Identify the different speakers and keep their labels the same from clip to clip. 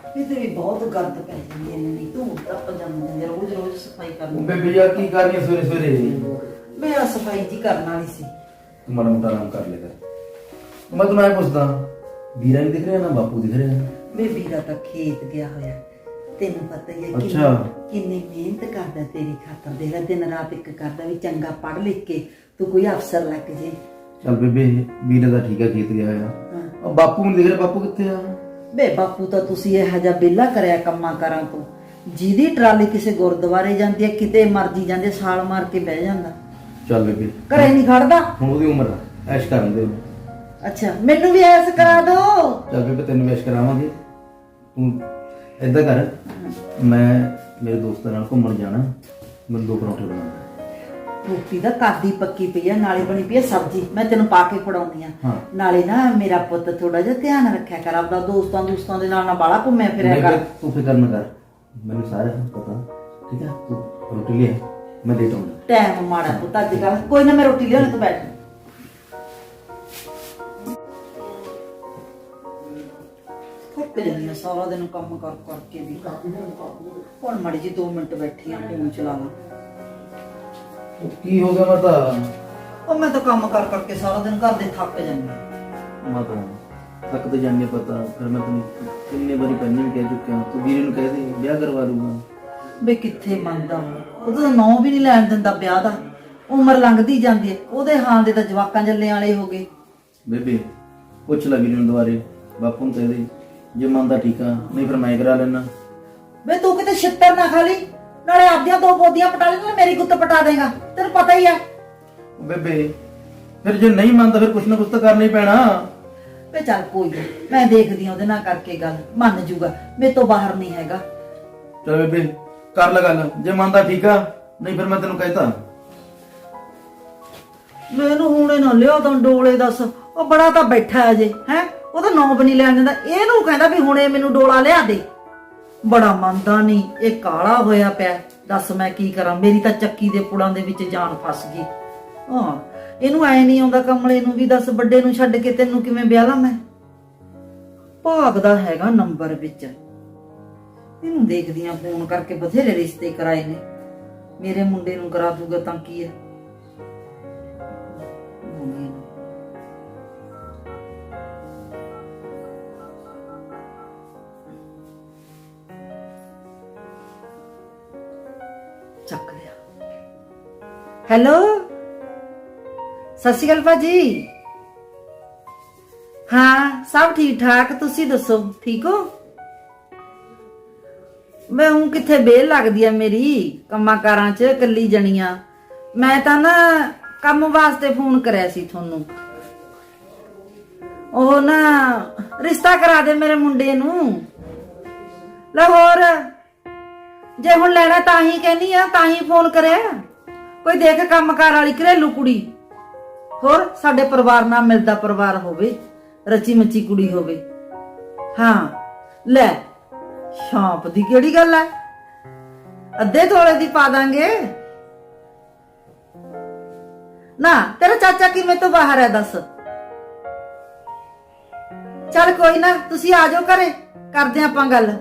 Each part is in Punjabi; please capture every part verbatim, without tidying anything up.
Speaker 1: ਇਹਦੇ ਵੀ ਬਹੁਤ ਗੰਦ ਪੈ ਜਾਂਦੀ ਹੈ ਨਹੀਂ ਤੂੰ ਟੱਪ ਜਾਂਦੀ ਹੈ ਰੋਜ਼ ਰੋਜ਼ ਸਫਾਈ ਕਰਨੀ।
Speaker 2: ਬੇਬੇ ਯਾਰ ਕੀ ਕਰਨੀ ਹੈ ਸਵੇਰੇ ਸਵੇਰੇ?
Speaker 1: ਮੈਂ ਆ ਸਫਾਈ ਜੀ ਕਰਨ ਵਾਲੀ ਸੀ।
Speaker 2: ਤੂੰ ਮਾੜਾ ਮੋਟਾ ਆਰਾਮ ਕਰ ਲੈ ਕਰ। ਮੈਂ ਤੈਨੂੰ ਐ ਪੁੱਛਦਾ, ਵੀਰਾ ਨਹੀਂ ਦਿਖ ਰਿਹਾ ਨਾ ਬਾਪੂ ਦਿਖ ਰਿਹਾ?
Speaker 1: ਵੇ ਵੀਰਾ ਤਾਂ ਖੇਤ ਗਿਆ ਹੋਇਆ, ਤੈਨੂੰ ਪਤਾ ਹੀ ਹੈ
Speaker 2: ਅੱਛਾ।
Speaker 1: ਕਿੰਨੀ ਮਿਹਨਤ ਕਰਦਾ ਤੇਰੀ ਖਾਤਰ। ਦੇਖ ਲੈ ਦਿਨ ਰਾਤ ਇੱਕ ਕਰਦਾ ਵੀ ਚੰਗਾ ਪੜ੍ਹ ਲਿਖ ਕੇ ਤੂੰ ਕੋਈ ਅਫਸਰ ਲੱਗ ਜੇ।
Speaker 2: ਚੱਲ ਬੇਬੇ ਵੀਰਾ ਦਾ ਠੀਕ ਆ, ਖੇਤ ਗਿਆ ਹੋਇਆ। ਉਹ ਬਾਪੂ ਨੂੰ ਦਿਖ ਰਿਹਾ, ਬਾਪੂ ਕਿੱਥੇ ਆ?
Speaker 1: ਬੇ ਬਾਪੂ ਤਾਂ ਤੁਸੀਂ ਇਹੋ ਜਿਹਾ ਵਿਹਲਾ ਕਰਿਆ ਕੰਮਾਂ ਕਾਰਾਂ ਤੋਂ, ਜਿਹਦੀ ਟਰਾਲੀ ਕਿਸੇ ਗੁਰਦੁਆਰੇ ਜਾਂਦੀ ਹੈ ਕਿਤੇ ਮਰਜੀ ਜਾਂਦੇ ਸਾਲ ਮਾਰ ਕੇ ਬਹਿ ਜਾਂਦਾ।
Speaker 2: ਚੱਲ ਬੇਬੇ
Speaker 1: ਘਰੇ ਨਹੀਂ ਖੜਦਾ।
Speaker 2: ਹੁਣ ਉਹਦੀ ਉਮਰ ਆ, ਐਸ਼ ਕਰਨ ਦੇ।
Speaker 1: ਅੱਛਾ ਮੈਨੂੰ ਵੀ ਐਸ ਕਰਾ ਦੋ।
Speaker 2: ਚੱਲ ਬੇਬੇ ਤੈਨੂੰ ਐਸ਼ ਕਰਾਵਾਂਗੇ। ਤੂੰ ਏਦਾਂ ਕਰ, ਮੈਂ ਮੇਰੇ ਦੋਸਤਾਂ ਨਾਲ ਘੁੰਮਣ ਜਾਣਾ, ਮੈਨੂੰ ਦੋ ਪਰੌਂਠੇ ਬਣਾ।
Speaker 1: ਰੋਟੀ ਦਾ ਕਾਦੀ ਪੱਕੀ ਪਈ ਆ, ਨਾਲੇ ਬਣੀ ਪਈ ਆ ਸਬਜ਼ੀ, ਮੈਂ ਤੈਨੂੰ ਪਾ ਕੇ ਫੜਾਉਣੀ ਆ। ਨਾਲੇ ਨਾ ਮੇਰਾ ਪੁੱਤ ਥੋੜਾ ਜਿਹਾ ਧਿਆਨ ਰੱਖਿਆ ਕਰ ਆਪਦਾ, ਦੋਸਤਾਂ ਦੋਸਤਾਂ ਦੇ ਨਾਲ ਨਾ ਬਾਲਾ ਘੁੰਮਿਆ ਫਿਰਿਆ ਕਰ।
Speaker 2: ਤੂੰ ਫਿਕਰ ਨਾ ਕਰ, ਮੈਨੂੰ ਸਾਰਾ ਪਤਾ, ਠੀਕ ਹੈ? ਤੂੰ ਰੋਟੀ ਲਿਆ, ਮੈਂ ਦੇ ਦਊਂਗਾ।
Speaker 1: ਟਾਈਮ ਮਾੜਾ ਪੁੱਤ ਅੱਜ ਕੱਲ, ਕੋਈ ਨਾ ਮੈਂ ਰੋਟੀ ਲਿਆਉਣੀ, ਤੂੰ ਬੈਠ। ਥੱਕ ਜਾਂਦੀ ਆ ਸਾਰਾ ਦਿਨ ਕੰਮ ਕਰ ਕਰਕੇ ਵੀ। ਹੁਣ ਮਾੜੀ ਜੀ ਦੋ ਮਿੰਟ ਬੈਠੀ ਆ, ਫੋਨ ਚਲਾ ਲਾਂ।
Speaker 2: ਕੀ ਹੋ ਗਿਆ ਮਾਤਾ?
Speaker 1: ਉਹ ਮੈਂ ਤਾਂ ਕੰਮ ਕਰ ਕਰਕੇ ਸਾਰਾ ਦਿਨ ਘਰ ਦੇ ਥੱਕ ਜਾਂਦੀ ਆ।
Speaker 2: ਮਾਤਾ ਤੱਕ ਤੇ ਜਾਣੇ ਪਤਾ, ਫਿਰ ਮੈਂ ਤੈਨੂੰ ਕਿੰਨੇ ਵਾਰੀ ਪਹਿਲਾਂ ਵੀ ਕਹਿ ਚੁੱਕਿਆ, ਤੂੰ ਵੀਰੇ ਨੂੰ ਕਹਿ ਦੇ ਵਿਆਹ ਕਰਵਾ ਲੂਗਾ।
Speaker 1: ਬੇ ਕਿੱਥੇ ਮੰਨਦਾ ਉਹ, ਉਹਦਾ ਨਾਂ ਵੀ ਨਹੀਂ ਲੈਣ ਦਿੰਦਾ ਵਿਆਹ ਦਾ। ਉਮਰ ਲੰਘਦੀ ਜਾਂਦੀ ਹੈ, ਉਹਦੇ ਹਾਲ ਦੇ ਤਾਂ ਜਵਾਕਾਂ ਜੱਲੇ ਵਾਲੇ ਹੋ ਗਏ।
Speaker 2: ਬੇਬੇ ਪੁੱਛ ਲੈ ਵੀਰੇ ਨੂੰ ਦੁਬਾਰੇ, ਬਾਪੂ ਨੂੰ ਕਹਿ ਦੇ ਜੇ ਮੰਨਦਾ ਠੀਕ ਆ, ਨਹੀਂ ਫਿਰ ਮੈਂ ਕਰਾ ਲੈਣਾ।
Speaker 1: ਬੇ ਤੂੰ ਕਿਤੇ ਛਿੱਤਰ ਨਾ ਖਾ ਲਈ, ਨਾਲੇ ਆਪਦੀਆਂ ਦੋ ਬੋਦੀਆਂ ਪਟਾ ਲੈ, ਨਾਲੇ ਮੇਰੀ ਗੁੱਤ ਪਟਾ ਦੇਗਾ, ਤੈਨੂੰ ਪਤਾ ਹੀ ਆ।
Speaker 2: ਬੇਬੇ ਫਿਰ ਜੇ ਨਹੀਂ ਮੰਨਦਾ ਫਿਰ ਕੁਛ ਨਾ ਕੁਛ ਤਾਂ ਕਰਨਾ ਹੀ ਪੈਣਾ।
Speaker 1: ਵੇ ਚੱਲ ਕੋਈ ਨੀ, ਮੈਂ ਦੇਖਦੀ ਆ ਉਹਦੇ ਨਾਲ ਕਰਕੇ ਗੱਲ, ਮੰਨ ਜੂਗਾ, ਮੇਰੇ ਤੋਂ ਬਾਹਰ ਨਹੀਂ ਹੈਗਾ।
Speaker 2: ਚਲ ਬੇਬੇ ਕਰ ਲੈ ਗੱਲ, ਜੇ ਮੰਨਦਾ ਠੀਕ ਆ, ਨਹੀਂ ਫਿਰ ਮੈਂ ਤੈਨੂੰ ਕਹਿਤਾ।
Speaker 1: ਮੈਨੂੰ ਹੁਣੇ ਨਾ ਲਿਆ ਤਾਂ ਡੋਲੇ ਦੱਸ, ਉਹ ਬੜਾ ਤਾਂ ਬੈਠਾ ਅਜੇ ਹੈ, ਉਹਦਾ ਨਾਂ ਵੀ ਨਹੀਂ ਲੈਣ ਦਿੰਦਾ। ਇਹਨੂੰ ਕਹਿੰਦਾ ਵੀ ਹੁਣੇ ਮੈਨੂੰ ਡੋਲਾ ਲਿਆ ਦੇ, ਬੜਾ ਮੰਨਦਾ ਨਹੀਂ। ਇਹ ਕਾਲਾ ਹੋਇਆ ਪਿਆ, ਦੱਸ ਮੈਂ ਕੀ ਕਰਾਂ, ਮੇਰੀ ਤਾਂ ਚੱਕੀ ਦੇ ਪੁੜਾਂ ਦੇ ਵਿੱਚ ਜਾਨ ਫਸ ਗਈ। ਹਾਂ ਇਹਨੂੰ ਐ ਨਹੀਂ ਆਉਂਦਾ ਕਮਲੇ ਨੂੰ ਵੀ, ਦੱਸ ਵੱਡੇ ਨੂੰ ਛੱਡ ਕੇ ਤੈਨੂੰ ਕਿਵੇਂ ਵਿਆਹ ਲਾਂ ਮੈਂ। ਭਾਗਦਾ ਹੈਗਾ ਨੰਬਰ ਵਿੱਚ, ਇਹਨੂੰ ਦੇਖਦੀ ਆ ਫੋਨ ਕਰਕੇ, ਬਥੇਰੇ ਰਿਸ਼ਤੇ ਕਰਾਏ ਨੇ, ਮੇਰੇ ਮੁੰਡੇ ਨੂੰ ਕਰਾ ਦੂਗਾ ਤਾਂ ਕੀ ਹੈ। ਚੱਕ ਲਿਆ। ਹੈਲੋ ਸਤਿ ਸ਼੍ਰੀ ਅਕਾਲ ਭਾਜੀ। ਹਾਂ ਸਭ ਠੀਕ ਠਾਕ, ਤੁਸੀਂ ਦੱਸੋ ਠੀਕ ਹੋ? ਮੈਂ ਹੁਣ ਕਿੱਥੇ ਬੇਲ ਲੱਗਦੀ ਆ ਮੇਰੀ ਕੰਮਾਂ ਕਾਰਾਂ 'ਚ, ਇਕੱਲੀ ਜਣੀਆਂ। ਮੈਂ ਤਾਂ ਨਾ ਕੰਮ ਵਾਸਤੇ ਫੋਨ ਕਰਿਆ ਸੀ ਤੁਹਾਨੂੰ, ਉਹ ਨਾ ਰਿਸ਼ਤਾ ਕਰਾ ਦੇ ਮੇਰੇ ਮੁੰਡੇ ਨੂੰ। ਲਾਹੌਰ ਜੇ ਹੁਣ ਲੈਣਾ ਤਾਂ ਹੀ ਕਹਿੰਦੀ ਆ, ਤਾਂ ਹੀ ਫੋਨ ਕਰਿਆ। ਕੋਈ ਦੇਖ ਕੰਮਕਾਰ ਵਾਲੀ ਘਰੇਲੂ ਕੁੜੀ, ਹੋਰ ਸਾਡੇ ਪਰਿਵਾਰ ਨਾਲ ਮਿਲਦਾ ਪਰਿਵਾਰ ਹੋਵੇ, ਰਚੀ ਮੱਚੀ ਕੁੜੀ ਹੋਵੇ। ਹਾਂ ਲੈ ਸ਼ਾਂਪ ਦੀ ਕਿਹੜੀ ਗੱਲ ਹੈ, ਅੱਧੇ ਤੋਲੇ ਦੀ ਪਾ ਦਾਂਗੇ ਨਾ। ਤੇਰਾ ਚਾਚਾ ਕਿਵੇਂ ਤੋਂ ਬਾਹਰ ਹੈ ਦੱਸ? ਚੱਲ ਕੋਈ ਨਾ, ਤੁਸੀਂ ਆ ਜਾਓ ਘਰੇ, ਕਰਦੇ ਆਪਾਂ ਗੱਲ।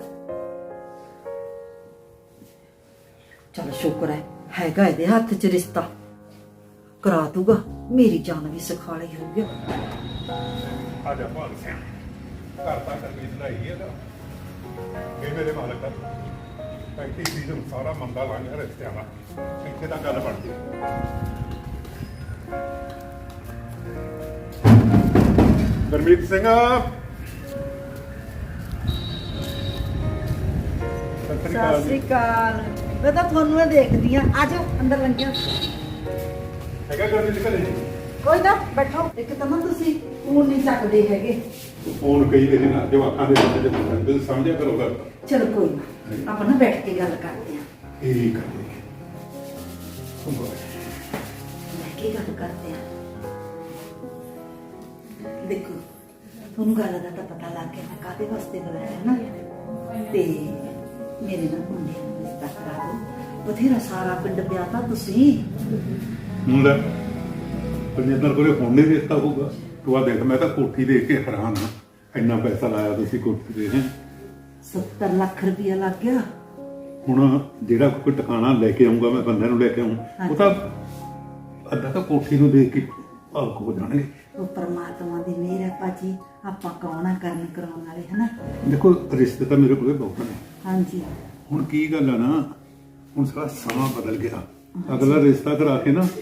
Speaker 1: ਚਲ ਸ਼ੁਕਰ ਹੈ ਹੈਗਾ ਇਹਦੇ ਹੱਥ 'ਚ ਰਿਸ਼ਤਾ, ਕਰਾ ਦੂਗਾ, ਮੇਰੀ ਜਾਨ ਵੀ ਸੁਖਾਲੀ ਹੋ ਗਿਆ।
Speaker 3: ਆ ਜਾ ਭਾਗ ਸਿੰਘ, ਘਰ ਤਾਂ ਕਰਨੀ ਚੜਾਈ ਇਹਦਾ ਇਹ ਮੇਰੇ ਮਾਲਕ ਦਾ ਪੈਂਤੀ ਸੀਜ਼ਨ ਸਾਰਾ ਮੰਦਾ ਲੰਘ ਰਿਹਾ ਰਿਸ਼ਤਿਆਂ ਦਾ, ਇੱਥੇ ਤਾਂ ਗੱਲ ਬਣ ਗਈ। ਗੁਰਮੀਤ ਸਿੰਘ
Speaker 1: ਸਤਿ ਸ੍ਰੀ ਅਕਾਲ। ਮੈਂ ਤਾਂ ਤੁਹਾਨੂੰ ਦੇਖਦੀ ਆ, ਆ ਜਾਓ ਅੰਦਰ ਲੰਘਿਓ।
Speaker 3: ਹੈਗਾ ਗੁਰਮੀਤ ਘਰੇ ਜੀ?
Speaker 1: ਕੋਈ ਨਾ ਬੈਠੋ। ਇੱਕ ਤਾਂ ਨਾ ਤੁਸੀਂ ਫੋਨ ਨਹੀਂ ਚੱਕਦੇ ਹੈਗੇ।
Speaker 3: ਫੋਨ ਕਈ ਵਾਰੀ ਨਾ ਜਵਾਕਾਂ ਦੇ ਵਿੱਚ ਜੇ ਤੁਸੀਂ ਸਮਝਿਆ ਕਰੋ ਗੱਲ।
Speaker 1: ਚਲੋ ਕੋਈ ਨਾ, ਆਪਾਂ ਨਾ ਬੈਠ ਕੇ ਗੱਲ ਕਰਦੇ ਆ।
Speaker 3: ਠੀਕ ਹੈ ਜੀ,
Speaker 1: ਬੈਠ ਕੇ ਗੱਲ ਕਰਦੇ ਆ। ਦੇਖੋ ਤੁਹਾਨੂੰ ਗੱਲ ਦਾ ਤਾਂ ਪਤਾ ਲੱਗ ਗਿਆ ਮੈਂ ਕਾਹਦੇ ਵਾਸਤੇ ਬੁਲਾਇਆ ਨਾ, ਤੇ ਮੇਰੇ ਨਾਲ ਮੁੰਡੇ ਨੂੰ ਰਿਸ਼ਤਾ ਕਰਾ ਦਿਓ। ਬਥੇਰਾ ਸਾਰਾ ਪਿੰਡ ਵਿਆਹ ਤਾਂ ਤੁਸੀਂ
Speaker 3: ਹੁੰਦਾ ਪਰਜਿੰਦਰ ਕੋਲੇ ਫੋਨ ਨਹੀਂ ਰਿਸ਼ਤਾ ਹੋਊਗਾ। ਤੂੰ ਆ ਦੇਖ, ਮੈਂ ਤਾਂ ਕੋਠੀ ਦੇਖ ਕੇ ਹੈਰਾਨ ਹਾਂ, ਇੰਨਾ ਪੈਸਾ ਲਾਇਆ ਤੁਸੀਂ ਕੋਠੀ ਦੇ। ਹੈ
Speaker 1: ਸੱਤਰ ਲੱਖ ਰੁਪਇਆ ਲੱਗ ਗਿਆ।
Speaker 3: ਹੁਣ ਜਿਹੜਾ ਕੋਈ ਟਿਕਾਣਾ ਲੈ ਕੇ ਆਉਂਗਾ ਮੈਂ ਬੰਦੇ ਨੂੰ ਲੈ ਕੇ ਆਉਂ ਉਹ ਤਾਂ ਅੱਧਾ ਤਾਂ ਕੋਠੀ ਨੂੰ ਦੇਖ ਕੇ ਭਾਵੁਕ ਹੋ ਜਾਣਗੇ।
Speaker 1: ਉਹ ਪਰਮਾਤਮਾ ਦੀ ਮਿਹਰ ਹੈ ਭਾਜੀ, ਆਪਾਂ ਕੌਣ ਆ ਕਰਨ ਕਰਾਉਣ ਵਾਲੇ ਹਨਾ।
Speaker 3: ਦੇਖੋ ਰਿਸ਼ਤੇ ਤਾਂ ਮੇਰੇ ਕੋਲੇ ਬਹੁਤ ਨੇ।
Speaker 1: ਹਾਂਜੀ
Speaker 3: ਹੁਣ ਕੀ ਗੱਲ ਆ ਨਾ, ਹੁਣ ਸਾਰਾ ਸਮਾਂ ਬਦਲ ਗਿਆ। ਅਗਲਾ ਰਿਸ਼ਤਾ ਕਰਾ ਕੇ ਨਾ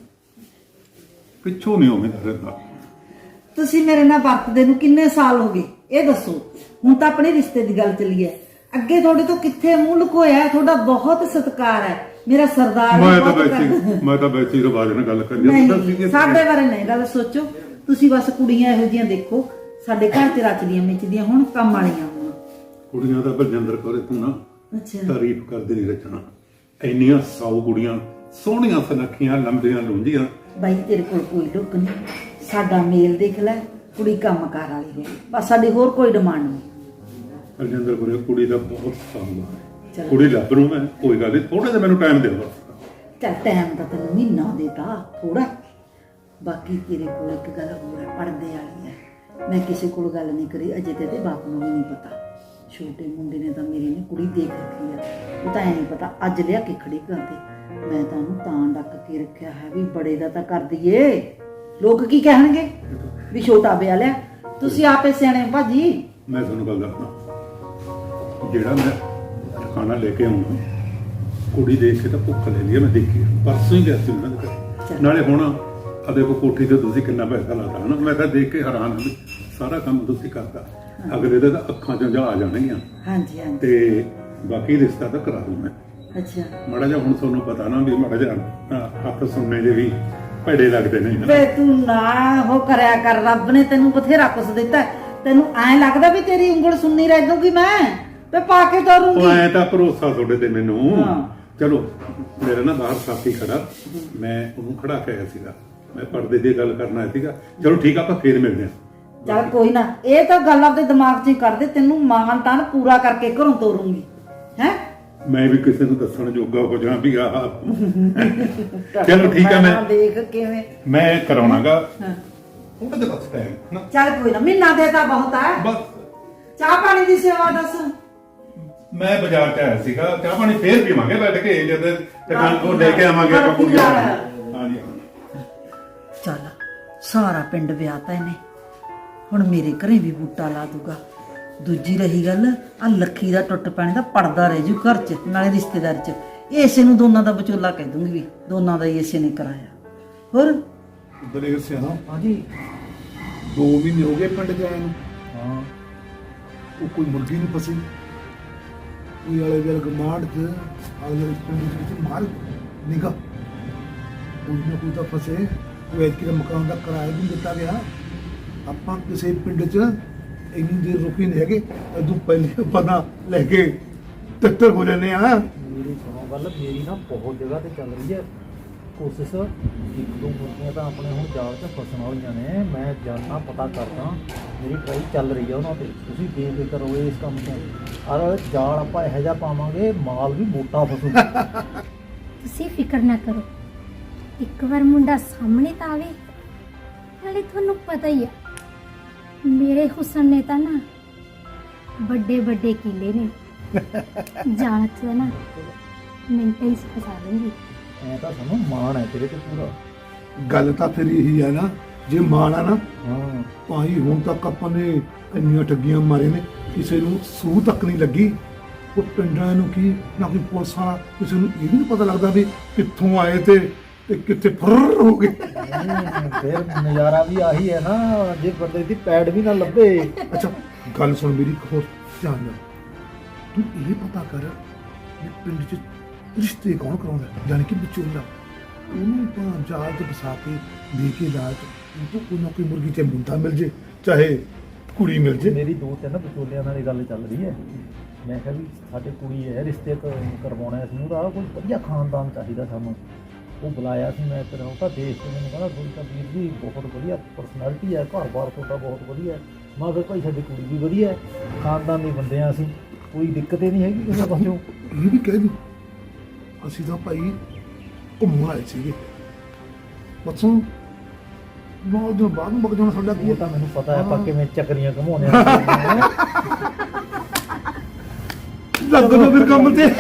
Speaker 3: ਪਿੱਛੋਂ ਨਹੀਂ ਉਵੇਂ ਰਹਿੰਦਾ।
Speaker 1: ਤੁਸੀਂ ਮੇਰੇ ਨਾਲ ਵਰਤਦੇ ਨੂੰ ਕਿੰਨੇ ਸਾਲ ਹੋ ਗਏ ਇਹ ਦੱਸੋ। ਹੁਣ ਤਾਂ ਆਪਣੇ ਰਿਸ਼ਤੇ ਦੀ ਗੱਲ ਚੱਲੀ ਹੈ, ਅੱਗੇ ਤੁਹਾਡੇ ਤੋਂ ਕਿੱਥੇ ਮੂੰਹ ਲੁਕੋਇਆ। ਤੁਹਾਡਾ ਬਹੁਤ ਸਤਿਕਾਰ ਹੈ, ਮੇਰਾ ਸਰਦਾਰ ਵੀ
Speaker 3: ਮੈਂ ਤਾਂ
Speaker 1: ਬਹੁਤ
Speaker 3: ਵੈਸੇ
Speaker 1: ਕਰਦਾ।
Speaker 3: ਮੈਂ ਤਾਂ ਵੈਸੇ ਹੀ ਰਿਵਾਜ ਨਾਲ ਗੱਲ ਕਰੀ
Speaker 1: ਨਹੀਂ ਸਾਡੇ ਬਾਰੇ ਨਹੀਂ ਗੱਲ ਸੋਚੋ ਤੁਸੀਂ, ਬਸ ਕੁੜੀਆਂ ਇਹੋ ਜਿਹੀਆਂ ਦੇਖੋ ਸਾਡੇ ਘਰ ਚ ਰਚਦੀਆਂ ਮਿਚਦੀਆਂ ਹੁਣ, ਕੰਮ ਵਾਲੀਆਂ ਹੋਣ।
Speaker 3: ਕੁੜੀਆਂ ਦਾ ਬਲਜਿੰਦਰ ਕੌਰ ਤੂੰ ਨਾ
Speaker 1: ਅੱਛਾ
Speaker 3: ਤਾਰੀਫ ਕਰਦੇ ਨਹੀਂ ਰਚਣਾ। ਇੰਨੀਆਂ ਸੌ ਕੁੜੀਆਂ ਸੋਹਣੀਆਂ ਸੁਨੱਖੀਆਂ ਲੰਬੀਆਂ ਲੁੰਝੀਆਂ।
Speaker 1: ਬਾਈ ਤੇਰੇ ਕੋਲ ਕੋਈ ਲੁੱਕ ਨਹੀਂ, ਸਾਡਾ ਮੇਲ ਦੇਖ ਲੈ, ਕੁੜੀ ਕੰਮਕਾਰ ਵਾਲੀ ਹੋਵੇ ਬਸ, ਸਾਡੀ ਹੋਰ ਕੋਈ ਡਿਮਾਂਡ ਨਹੀਂ।
Speaker 3: ਬਲਜਿੰਦਰ ਕੌਰ ਕੁੜੀ ਦਾ ਬਹੁਤ ਸਾਂਭਾ ਹੈ।
Speaker 1: ਚਲੋ।
Speaker 3: ਕੁੜੀ ਲੱਭ ਨੂੰ ਮੈਂ ਕੋਈ ਗੱਲ ਨਹੀਂ, ਥੋੜਾ ਜਿਹਾ ਮੈਨੂੰ ਟਾਈਮ ਦੇ ਦਿਓ।
Speaker 1: ਚੱਲ ਟਾਈਮ ਤਾਂ ਤੈਨੂੰ ਮਹੀਨਾ ਦੇਤਾ ਥੋੜਾ। ਬਾਕੀ ਤੇਰੇ ਕੋਲ ਇੱਕ ਗੱਲ ਹੋਰ ਹੈ, ਪਰਦੇ ਵਾਲੀ ਹੈ। ਮੈਂ ਕਿਸੇ ਕੋਲ ਗੱਲ ਨਹੀਂ ਕਰੀ ਅਜੇ ਤੇ ਇਹਦੇ ਬਾਪ ਨੂੰ ਵੀ ਨਹੀਂ ਪਤਾ। ਛੋਟੇ ਮੁੰਡੇ ਨੇ ਤਾਂ ਮੇਰੇ ਨੇ ਕੁੜੀ ਦੇਖ ਰੱਖੀ ਹੈ, ਉਹ ਤਾਂ ਐ ਨਹੀਂ ਪਤਾ ਅੱਜ ਲਿਆ ਕੇ ਖੜੀ ਕਰਦੇ। ਮੈਂ ਤਾਂ ਉਹਨੂੰ ਤਾਂ ਡੱਕ ਕੇ ਰੱਖਿਆ ਹੈ ਵੀ ਬੜੇ ਦਾ ਤਾਂ ਕਰ ਦਈਏ, ਲੋਕ ਕੀ ਕਹਿਣਗੇ ਵੀ ਛੋਟਾ ਵਿਆਹ ਲਿਆ। ਤੁਸੀਂ ਆਪੇ ਸਿਆਣੇ ਹੋ ਭਾਜੀ।
Speaker 3: ਮੈਂ ਤੁਹਾਨੂੰ ਗੱਲ ਦੱਸਦਾ, ਜਿਹੜਾ ਮੈਂ ਖਾਣਾ ਲੈ ਕੇ ਆਉਂਗਾ ਕੁੜੀ ਦੇਖ ਕੇ ਤਾਂ ਭੁੱਖ ਲੈ ਲਈ ਮੈਂ ਦੇਖੀ ਪਰਸੋਂ ਹੀ ਗਿਆ ਸੀ ਉਹਨਾਂ ਦੇ ਘਰ। ਨਾਲੇ ਹੁਣ ਆ ਦੇਖੋ ਕੋਠੀ ਤੇ ਤੁਸੀਂ ਕਿੰਨਾ ਪੈਸਾ ਲਾਤਾ ਹਨਾ। ਮੈਂ ਤਾਂ ਦੇਖ ਕੇ ਹੈਰਾਨ ਹਾਂ, ਸਾਰਾ ਕੰਮ ਤੁਸੀਂ ਕਰਦਾ। ਅਗਲੇ ਦੇ ਤਾਂ ਅੱਖਾਂ ਚੋਂ ਜਾ ਆ ਜਾਣਗੀਆਂ।
Speaker 1: ਹਾਂਜੀ ਹਾਂਜੀ
Speaker 3: ਤੇ ਬਾਕੀ ਰਿਸ਼ਤਾ ਤਾਂ ਕਰਾ ਦੂੰ ਮੈਂ।
Speaker 1: ਅੱਛਾ
Speaker 3: ਮਾੜਾ ਜਿਹਾ ਹੁਣ ਤੁਹਾਨੂੰ ਪਤਾ ਨਾ ਵੀ ਮਾੜਾ ਜਿਹਾ ਹੱਥ ਸੁਣਨੇ ਦੇ ਵੀ ਭੜੇ ਲੱਗਦੇ ਨੇ ਹਨਾ।
Speaker 1: ਵੇ ਤੂੰ ਨਾ ਉਹ ਕਰਿਆ ਕਰ, ਰੱਬ ਨੇ ਤੈਨੂੰ ਬਥੇਰਾ ਕੁਛ ਦਿੱਤਾ। ਤੈਨੂੰ ਐਂ ਲੱਗਦਾ ਵੀ ਤੇਰੀ ਉਂਗਲ ਸੁਣਨੀ ਰਹਿ ਜਾਊਗੀ ਮੈਂ ਤੇ ਪਾ ਕੇ
Speaker 3: ਉਹ
Speaker 1: ਤੋਰੂੰਗੀ।
Speaker 3: ਐ ਤਾਂ ਭਰੋਸਾ ਤੁਹਾਡੇ ਤੇ ਮੈਨੂੰ।
Speaker 1: ਹਾਂ।
Speaker 3: ਚਲੋ ਮੇਰਾ ਨਾ ਬਾਹਰ ਸਾਥੀ ਖੜਾ, ਮੈਂ ਉਹਨੂੰ ਖੜਾ ਕੇ ਆਇਆ ਸੀਗਾ, ਮੈਂ ਪਰਦੇ ਦੀ ਗੱਲ ਕਰਨਾ ਆਇਆ ਸੀਗਾ। ਚਲੋ ਠੀਕ ਆ, ਆਪਾਂ ਫੇਰ ਮਿਲਦੇ ਹਾਂ।
Speaker 1: ਚੱਲ ਕੋਈ ਨਾ, ਇਹ ਤਾਂ ਗੱਲ ਆਪਦੇ ਦਿਮਾਗ 'ਚ ਹੀ ਕਰਦੇ, ਤੈਨੂੰ ਮਾਨ ਤਾਨ ਪੂਰਾ ਕਰਕੇ ਘਰੋਂ ਤੋਰੂੰਗੀ ਹੈ।
Speaker 3: ਮੈਂ ਵੀ ਕਿਸੇ ਨੂੰ ਦੱਸਣ ਜੋਗਾ ਹੋ ਜਾਵਾਂ ਵੀ ਆਹ ਚਲੋ ਠੀਕ ਆ। ਮੈਂ
Speaker 1: ਦੇਖ ਕਿਵੇਂ
Speaker 3: ਮੈਂ ਕਰਾਉਣਾਗਾ
Speaker 1: ਹਾਂ।
Speaker 3: ਥੋੜਾ ਜਿਹਾ ਬਸ ਟਾਈਮ ਨਾ
Speaker 1: ਚੱਲ ਕੋਈ ਨਾ, ਮਹੀਨਾ ਦੇਤਾ ਬਹੁਤ ਹੈ।
Speaker 3: ਬਸ
Speaker 1: ਚਾਹ ਪਾਣੀ ਦੀ ਸੇਵਾ ਦੱਸ।
Speaker 3: ਮੈਂ ਬਾਜ਼ਾਰ ਚ ਆਇਆ ਸੀਗਾ, ਚਾਹ ਪਾਣੀ ਫੇਰ ਪੀਵਾਂਗੇ ਬੈਠ ਕੇ, ਜਦ ਦੁਕਾਨ ਤੋਂ ਲੈ ਕੇ ਆਵਾਂਗੇ ਆਪਾਂ ਕੁੜੀਆਂ। ਹਾਂਜੀ
Speaker 1: ਚੱਲ ਸਾਰਾ ਪਿੰਡ ਵਿਆਹਤਾ ਇਹਨੇ, ਹੁਣ ਮੇਰੇ ਘਰੇ ਵੀ ਬੂਟਾ ਲਾ ਦੂਗਾ। ਦੂਜੀ ਰਹੀ ਗੱਲ, ਆ ਲੱਖੀ ਦਾ ਟੁੱਟ ਪੈਣੇ ਦਾ ਪੜਦਾ ਰਹਿ ਜੂ ਘਰ 'ਚ, ਨਾਲੇ ਰਿਸ਼ਤੇਦਾਰ 'ਚ। ਇਸੇ ਨੂੰ ਦੋਨਾਂ ਦਾ ਵਿਚੋਲਾ ਕਹਿ ਦੂੰਗੀ ਵੀ ਦੋਨਾਂ ਦਾ ਹੀ ਇਸੇ ਨੇ ਕਰਾਇਆ। ਹੋਰ
Speaker 4: ਦਲੇਰ ਸਿਆਣਾ
Speaker 2: ਹਾਂਜੀ
Speaker 4: ਦੋ ਮਹੀਨੇ ਹੋ ਗਏ ਪਿੰਡ ਜਾਏ ਨੂੰ,
Speaker 2: ਹਾਂ
Speaker 4: ਉਹ ਕੋਈ ਮੁਰਗੀ ਨਹੀਂ ਫਸੀ। ਕੋਈ ਵਾਲੇ ਵੇਲ ਗਮਾੜ ਚ ਆਲੇ ਪਿੰਡ ਵਿੱਚ ਮਾਰ ਨਿਗਾ ਕੋਈ ਨਾ ਕੋਈ ਤਾਂ ਫਸੇ। ਉਹ ਐਤਕੀ ਦਾ ਮਕਾਨ ਦਾ ਕਿਰਾਇਆ ਵੀ ਦਿੱਤਾ ਗਿਆ। ਆਪਾਂ ਕਿਸੇ ਪਿੰਡ ਚ ਇੰਨੀ ਦੇਰ ਰੁਕੀ ਨਹੀਂ ਹੈਗੇ, ਅਦੋਂ ਪਹਿਲੇ ਪਤਾ ਲੈ ਕੇ ਤੱਤਰ ਹੋ ਜਾਂਦੇ ਆ।
Speaker 2: ਮੇਰੀ ਸੁਣੋ ਗੱਲ, ਮੇਰੀ ਨਾ ਬਹੁਤ ਜਗ੍ਹਾ ਤੇ ਚੱਲ ਰਹੀ ਹੈ ਕੋਸ਼ਿਸ਼। ਇੱਕ ਦੋ ਮੁਰਗੀਆਂ ਤਾਂ ਆਪਣੇ ਹੁਣ ਜਾਲ 'ਚ ਫਸਣ ਵਾਲੀਆਂ ਨੇ। ਮੈਂ ਜਾਣਾ ਪਤਾ ਕਰਦਾ, ਮੇਰੀ ਟਰਾਈ ਚੱਲ ਰਹੀ ਆ ਉਹਨਾਂ ਤੇ। ਤੁਸੀਂ ਬੇਫਿਕਰ ਕਰੋ ਇਸ ਕੰਮ ਤੋਂ। ਔਰ ਜਾਲ ਆਪਾਂ ਇਹੋ ਜਿਹਾ ਪਾਵਾਂਗੇ ਮਾਲ ਵੀ ਮੋਟਾ ਫਸੂਗਾ।
Speaker 5: ਤੁਸੀਂ ਫਿਕਰ ਨਾ ਕਰੋ, ਇੱਕ ਵਾਰ ਮੁੰਡਾ ਸਾਹਮਣੇ ਤਾਂ ਆਵੇ। ਨਾਲੇ ਤੁਹਾਨੂੰ ਪਤਾ ਹੀ ਆ ਮੇਰੇ ਹੁਸਨ ਨੇ ਤਾਂ ਨਾ ਵੱਡੇ ਵੱਡੇ ਕੀਲੇ ਨੇ। ਜਾਲ 'ਚ ਨਾ ਮਿੰਟਾਂ ਹੀ ਫਸਾ ਲੂੰਗੀ।
Speaker 2: ਐ ਤਾਂ ਸਾਨੂੰ ਮਾਣ ਹੈ ਤੇਰੇ ਤੇ ਪੂਰਾ।
Speaker 4: ਗੱਲ ਤਾਂ ਫਿਰ ਇਹੀ ਹੈ ਨਾ, ਜੇ ਮਾਣ ਆ ਨਾ
Speaker 2: ਹਾਂ
Speaker 4: ਭਾਈ ਹੁਣ ਤੱਕ ਆਪਾਂ ਨੇ ਇੰਨੀਆਂ ਠੱਗੀਆਂ ਮਾਰੇ ਨੇ, ਕਿਸੇ ਨੂੰ ਸੂਹ ਤੱਕ ਨਹੀਂ ਲੱਗੀ। ਉਹ ਪਿੰਡਾਂ ਨੂੰ ਕੀ ਨਾ ਕੋਈ ਪੁਲਿਸ ਵਾਲਾ, ਕਿਸੇ ਨੂੰ ਇਹ ਵੀ ਨਹੀਂ ਪਤਾ ਲੱਗਦਾ ਵੀ ਕਿੱਥੋਂ ਆਏ ਤੇ ਤੇ ਕਿੱਥੇ ਫੁਰ ਹੋ ਗਏ।
Speaker 2: ਨਹੀਂ, ਫਿਰ ਨਜ਼ਾਰਾ ਵੀ ਆਹੀ ਹੈ ਨਾ, ਜੇ ਬੰਦੇ ਦੀ ਪੈੜ ਵੀ ਨਾ ਲੱਭੇ।
Speaker 4: ਅੱਛਾ ਗੱਲ ਸੁਣ ਮੇਰੀ, ਇੱਕ ਹੋਰ ਧਿਆਨ ਨਾਲ ਤੂੰ ਇਹ ਪਤਾ ਕਰ ਵੀ ਪਿੰਡ 'ਚ ਰਿਸ਼ਤੇ ਕੌਣ ਕਰਾਉਂਦਾ, ਜਾਣੀ ਕਿ ਵਿਚੋਲਾ। ਉਹਨੂੰ ਤਾਂ ਜਾਲ 'ਚ ਫਸਾ ਕੇ ਦੇ ਕੇ ਲਾਜ ਤੂੰ ਕੋਈ ਨਾ ਕੋਈ ਮੁਰਗੀ ਤੇ ਮੁੰਡਾ ਮਿਲ ਜੇ, ਚਾਹੇ ਕੁੜੀ ਮਿਲ ਜੇ।
Speaker 2: ਮੇਰੀ ਦੋ ਤਿੰਨ ਵਿਚੋਲਿਆਂ ਨਾਲ ਇਹ ਗੱਲ ਚੱਲ ਰਹੀ ਹੈ। ਮੈਂ ਕਿਹਾ ਵੀ ਸਾਡੇ ਕੁੜੀ ਹੈ, ਰਿਸ਼ਤੇ ਕ- ਕਰਵਾਉਣਾ ਸੀ ਉਹਦਾ, ਕੋਈ ਵਧੀਆ ਖਾਨਦਾਨ ਚਾਹੀਦਾ ਸਾਨੂੰ। ਉਹ ਬੁਲਾਇਆ ਸੀ ਮੈਂ ਤੇਰਾ, ਉਹ ਤਾਂ ਦੇਖ ਕੇ ਮੈਨੂੰ ਕਹਿੰਦਾ ਕੋਈ ਤਾਂ ਵੀਰ ਜੀ ਬਹੁਤ ਵਧੀਆ ਪਰਸਨੈਲਿਟੀ ਹੈ, ਘਰ-ਬਾਰ ਤੁਹਾਡਾ ਬਹੁਤ ਵਧੀਆ ਹੈ। ਮੈਂ ਕਿਹਾ ਭਾਈ ਸਾਡੀ ਕੁੜੀ ਵੀ ਵਧੀਆ ਹੈ, ਖਾਨਦਾਨੀ ਬੰਦੇ ਹਾਂ ਅਸੀਂ, ਕੋਈ ਦਿੱਕਤ ਹੀ ਨਹੀਂ ਹੈਗੀ ਕਿਸੇ ਪਾਸੋਂ।
Speaker 4: ਇਹ ਵੀ ਕਹਿ ਦੂੰ ਅਸੀਂ ਤਾਂ ਭਾਈ ਘੁੰਮਣ ਆਏ ਸੀਗੇ ਬੱਸੋਂ, ਨੌ ਦਿਨ ਬਾਅਦ ਨੂੰ ਬਗ ਜਾਣਾ ਸਾਡਾ ਕੀ
Speaker 2: ਉਹ
Speaker 4: ਹੈ।
Speaker 2: ਤਾਂ ਮੈਨੂੰ ਪਤਾ ਹੈ ਆਪਾਂ ਕਿਵੇਂ ਚੱਕਰੀਆਂ ਘਮਾਉਂਦੇ ਹਾਂ।
Speaker 4: ਲੱਗ ਦੋ ਫਿਰ ਕੰਮ ਤੇ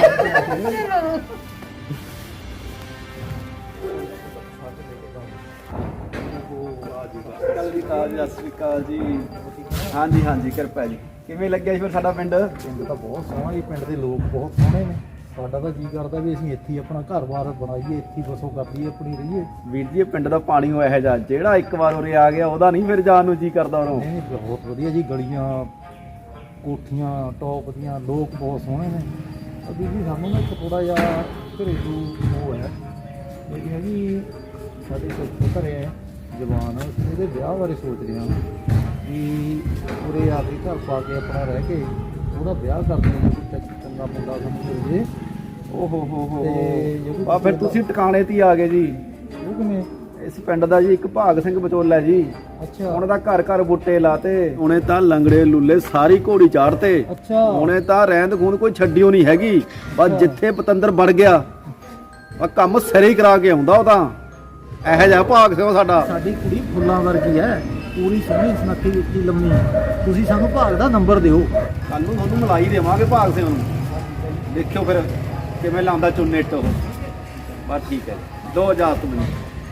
Speaker 6: ਸਤਿ ਸ਼੍ਰੀ ਅਕਾਲ ਜੀ, ਸਤਿ ਸ਼੍ਰੀ ਅਕਾਲ ਜੀ। ਹਾਂਜੀ ਹਾਂਜੀ ਕਿਰਪਾ ਜੀ। ਕਿਵੇਂ ਲੱਗਿਆ ਜੀ ਫਿਰ ਸਾਡਾ ਪਿੰਡ?
Speaker 2: ਪਿੰਡ ਤਾਂ ਬਹੁਤ ਸੋਹਣਾ ਜੀ, ਪਿੰਡ ਦੇ ਲੋਕ ਬਹੁਤ ਸੋਹਣੇ ਨੇ। ਸਾਡਾ ਤਾਂ ਜੀ ਕਰਦਾ ਵੀ ਅਸੀਂ ਇੱਥੇ ਹੀ ਆਪਣਾ ਘਰ-ਬਾਰ ਬਣਾਈਏ, ਇੱਥੇ ਹੀ ਬਸੋ ਕਰੀਏ, ਆਪਣੀ ਰਹੀਏ।
Speaker 6: ਵੀਰ ਜੀ ਇਹ ਪਿੰਡ ਦਾ ਪਾਣੀ ਹੋਇਆ ਹੈ ਜਾ ਜਿਹੜਾ ਇੱਕ ਵਾਰ ਉਰੇ ਆ ਗਿਆ ਉਹਦਾ ਨਹੀਂ ਫਿਰ ਜਾਣ ਨੂੰ ਜੀ ਕਰਦਾ ਉਹਨੂੰ।
Speaker 2: ਨਹੀਂ ਨਹੀਂ, ਬਹੁਤ ਵਧੀਆ ਜੀ, ਗਲੀਆਂ ਕੋਠੀਆਂ ਟੌਪ ਦੀਆਂ, ਲੋਕ ਬਹੁਤ ਸੋਹਣੇ ਨੇ। ਅਭੀ ਜੀ ਸਾਨੂੰ ਨਾ ਇੱਕ ਥੋੜਾ ਜਿਹਾ ਘਰੇਲੂ ਉਹ ਹੈ, ਇਹ ਹੈਗੀ ਸਾਡੇ ਕੋਲ ਘਰੇ ਹੈ ਜਵਾਨ, ਅਸੀਂ ਇਹਦੇ ਵਿਆਹ ਬਾਰੇ ਸੋਚ ਰਹੇ ਹਾਂ ਵੀ ਉਰੇ ਆ ਕੇ ਘਰ ਪਾ ਕੇ ਆਪਣਾ ਰਹਿ ਕੇ ਉਹਦਾ ਵਿਆਹ ਕਰਦੇ ਹਾਂ, ਕੋਈ ਚੰਗਾ ਮੁੰਡਾ ਸਾਨੂੰ ਮਿਲ ਜੇ।
Speaker 6: ਓਹੋ ਹੋ ਹੋ
Speaker 2: ਤੇ ਜਿਹੜੀ
Speaker 6: ਆ ਫਿਰ ਤੁਸੀਂ ਟਿਕਾਣੇ ਤੇ ਹੀ ਆ ਗਏ ਜੀ।
Speaker 2: ਉਹ ਕਿਵੇਂ?
Speaker 6: ਇਸ ਪਿੰਡ ਦਾ ਜੀ ਇੱਕ ਭਾਗ ਸਿੰਘ ਵਿਚੋਲਾ ਜੀ।
Speaker 2: ਅੱਛਾ
Speaker 6: ਉਹਨਾਂ ਦਾ ਘਰ ਘਰ ਬੁੱਟੇ ਲਾਤੇ, ਉਹਨੇ ਤਾਂ ਲੰਗੜੇ ਲੁੱਲੇ ਸਾਰੀ ਘੋੜੀ ਚਾੜਤੇ।
Speaker 2: ਅੱਛਾ
Speaker 6: ਉਹਨੇ ਤਾਂ ਰਹਿੰਦ ਖੂਨ ਕੋਈ ਛੱਡਿਓ ਨਹੀਂ ਹੈਗੀ, ਬਸ ਜਿੱਥੇ ਪਤੰਦਰ ਵੜ ਗਿਆ ਆ ਕੰਮ ਸਿਰੇ ਹੀ ਕਰਾ ਕੇ ਆਉਂਦਾ ਉਹ ਤਾਂ। ਇਹੋ ਜਿਹਾ ਭਾਗ ਸਿੰਘ ਸਾਡਾ।
Speaker 2: ਸਾਡੀ ਕੁੜੀ ਫੁੱਲਾਂ ਵਰਗੀ ਹੈ, ਪੂਰੀ ਸੋਹਣੀ ਸੁਨੱਖੀ ਉੱਚੀ ਲੰਮੀ। ਤੁਸੀਂ ਸਾਨੂੰ ਭਾਗ ਦਾ ਨੰਬਰ ਦਿਓ।
Speaker 6: ਕੱਲ ਨੂੰ ਤੁਹਾਨੂੰ ਮਿਲਾਈ ਦੇਵਾਂਗੇ ਭਾਗ ਸਿੰਘ ਨੂੰ, ਦੇਖਿਓ ਫਿਰ ਕਿਵੇਂ ਲਾਉਂਦਾ ਚੁੰਨੇਟ ਉਹ। ਬਸ ਠੀਕ ਹੈ, ਦੋ ਇਜਾਜ਼ਤ ਮੈਨੂੰ।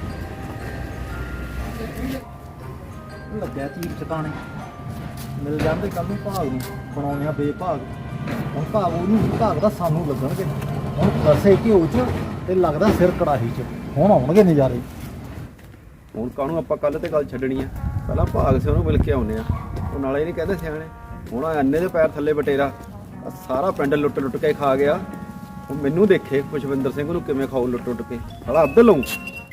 Speaker 2: ਲੱਗਿਆ ਚੀਰ ਚਟਾਣੇ ਮਿਲ ਜਾਂਦੇ ਕੱਲ ਨੂੰ ਭਾਗ ਨੂੰ, ਬਣਾਉਂਦੇ ਆ ਬੇਭਾਗ। ਹੁਣ ਭਾਗ ਉਹਨੂੰ ਭਾਗ ਦਾ ਸਾਨੂੰ ਲੱਗਣਗੇ। ਹੁਣ ਦਸੇ ਘਿਓ ਚ ਤੇ ਲੱਗਦਾ ਸਿਰ ਕੜਾਹੀ ਚ। ਹੁਣ ਆਉਣਗੇ ਨਜ਼ਾਰੇ।
Speaker 6: ਹੁਣ ਕਾਹਨੂੰ ਆਪਾਂ ਕੱਲ ਤੇ ਗੱਲ ਛੱਡਣੀ ਆ, ਪਹਿਲਾਂ ਭਾਗ ਸਿੰਘ ਨੂੰ ਮਿਲ ਕੇ ਆਉਂਦੇ ਆ। ਉਹ ਨਾਲੇ ਨਹੀਂ ਕਹਿੰਦੇ ਸਿਆਣੇ, ਹੁਣ ਅੰਨੇ ਦੇ ਪੈਰ ਥੱਲੇ ਬਟੇਰਾ ਆਹ ਸਾਰਾ ਪਿੰਡ ਲੁੱਟ ਲੁੱਟ ਕੇ ਖਾ ਗਿਆ। ਹੁਣ ਮੈਨੂੰ ਦੇਖੇ ਖੁਸ਼ਵਿੰਦਰ ਸਿੰਘ ਨੂੰ ਕਿਵੇਂ ਖਾਓ ਲੁੱਟ ਲੁੱਟ ਕੇ, ਸਾਲਾ ਅੱਧ ਲਊਂ।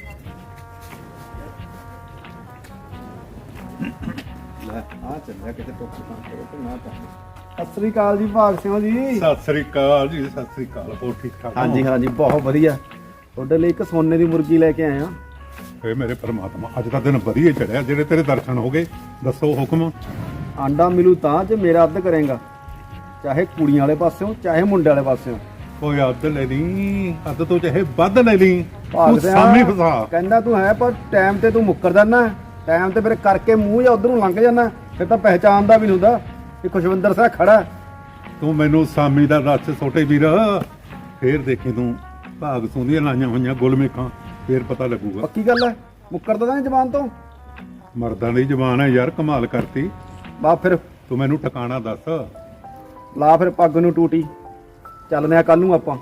Speaker 6: ਲੈ ਆ ਚੱਲਿਆ ਕਿਤੇ ਟੁੱਕ ਟਾਂ ਕਰੋ ਤੇ ਨਾ ਤਾਂ। ਸਤਿ ਸ੍ਰੀ ਅਕਾਲ ਜੀ ਭਾਗ ਸਿੰਘ ਜੀ।
Speaker 3: ਸਤਿ ਸ੍ਰੀ ਅਕਾਲ ਜੀ, ਸਤਿ ਸ੍ਰੀ ਅਕਾਲ। ਹੋਰ ਠੀਕ ਠਾਕ ਹੋ?
Speaker 6: ਹਾਂਜੀ ਹਾਂਜੀ ਬਹੁਤ ਵਧੀਆ। ਤੁਹਾਡੇ ਲਈ ਇੱਕ ਸੋਨੇ ਦੀ ਮੁਰਗੀ ਲੈ ਕੇ ਆਏ ਆ।
Speaker 3: ਏ ਮੇਰੇ ਪਰਮਾਤਮਾ, ਅੱਜ ਦਾ ਦਿਨ ਵਧੀਆ ਚੜਿਆ, ਜਿਹੜੇ ਤੇਰੇ ਦਰਸ਼ਨ ਹੋ ਗਏ। ਦੱਸੋ ਹੁਕਮ।
Speaker 6: ਆਂਡਾ ਮਿਲੂ ਤਾਂ ਜੇ ਮੇਰਾ ਅੱਧ ਕਰੇਗਾ, ਚਾਹੇ ਕੁੜੀਆਂ ਵਾਲੇ ਪਾਸਿਓਂ ਚਾਹੇ ਮੁੰਡੇ ਵਾਲੇ ਪਾਸਿਓਂ।
Speaker 3: ਕੋਈ ਅੱਧ ਲੈ ਲਈ, ਅੱਧ ਤੋਂ ਚਾਹੇ ਵੱਧ ਲੈ ਲਈ,
Speaker 6: ਭਾਗ
Speaker 3: ਤੂੰ
Speaker 6: ਸਿਆਂ
Speaker 3: ਸਾਮੀ ਫਸਾ।
Speaker 6: ਕਹਿੰਦਾ ਤੂੰ ਹੈ ਪਰ ਟਾਈਮ ਤੇ ਤੂੰ ਮੁੱਕਰ ਜਾਂਦਾ। ਟਾਈਮ ਤੇ ਫਿਰ ਕਰਕੇ ਮੂੰਹ ਜਾਂ ਉਧਰ ਨੂੰ ਲੰਘ ਜਾਂਦਾ, ਫਿਰ ਤਾਂ ਪਹਿਚਾਣਦਾ ਵੀ ਨਹੀਂ ਹੁੰਦਾ ਕਿ ਖੁਸ਼ਵਿੰਦਰ ਸਿੰਘ ਖੜਾ।
Speaker 3: ਤੂੰ ਮੈਨੂੰ ਸਾਮੀ ਦਾ ਦੱਸ ਛੋਟੇ ਵੀਰ, ਫੇਰ ਦੇਖੀ ਤੂੰ ਭਾਗ ਸੁੰਦੀਆਂ ਲਾਈਆਂ ਹੋਈਆਂ ਗੁਲਮੇਖਾਂ, ਫੇਰ ਪਤਾ ਲੱਗੂਗਾ।
Speaker 6: ਪੱਕੀ ਗੱਲ ਹੈ, ਮੁੱਕਰਦਾ ਤਾਂ ਨਹੀਂ ਜ਼ਬਾਨ ਤੋਂ।
Speaker 3: ਮਰਦਾਂ ਦੀ ਜ਼ਬਾਨ ਹੈ ਯਾਰ, ਕਮਾਲ ਕਰਤੀ।
Speaker 6: ਬਾ ਫਿਰ
Speaker 3: ਤੂੰ ਮੈਨੂੰ ਠਿਕਾਣਾ ਦੱਸ।
Speaker 6: ਲਾ ਫਿਰ ਪੱਗ ਨੂੰ ਟੂਟੀ, ਚੱਲਦੇ ਆ ਕੱਲ ਨੂੰ ਆਪਾਂ।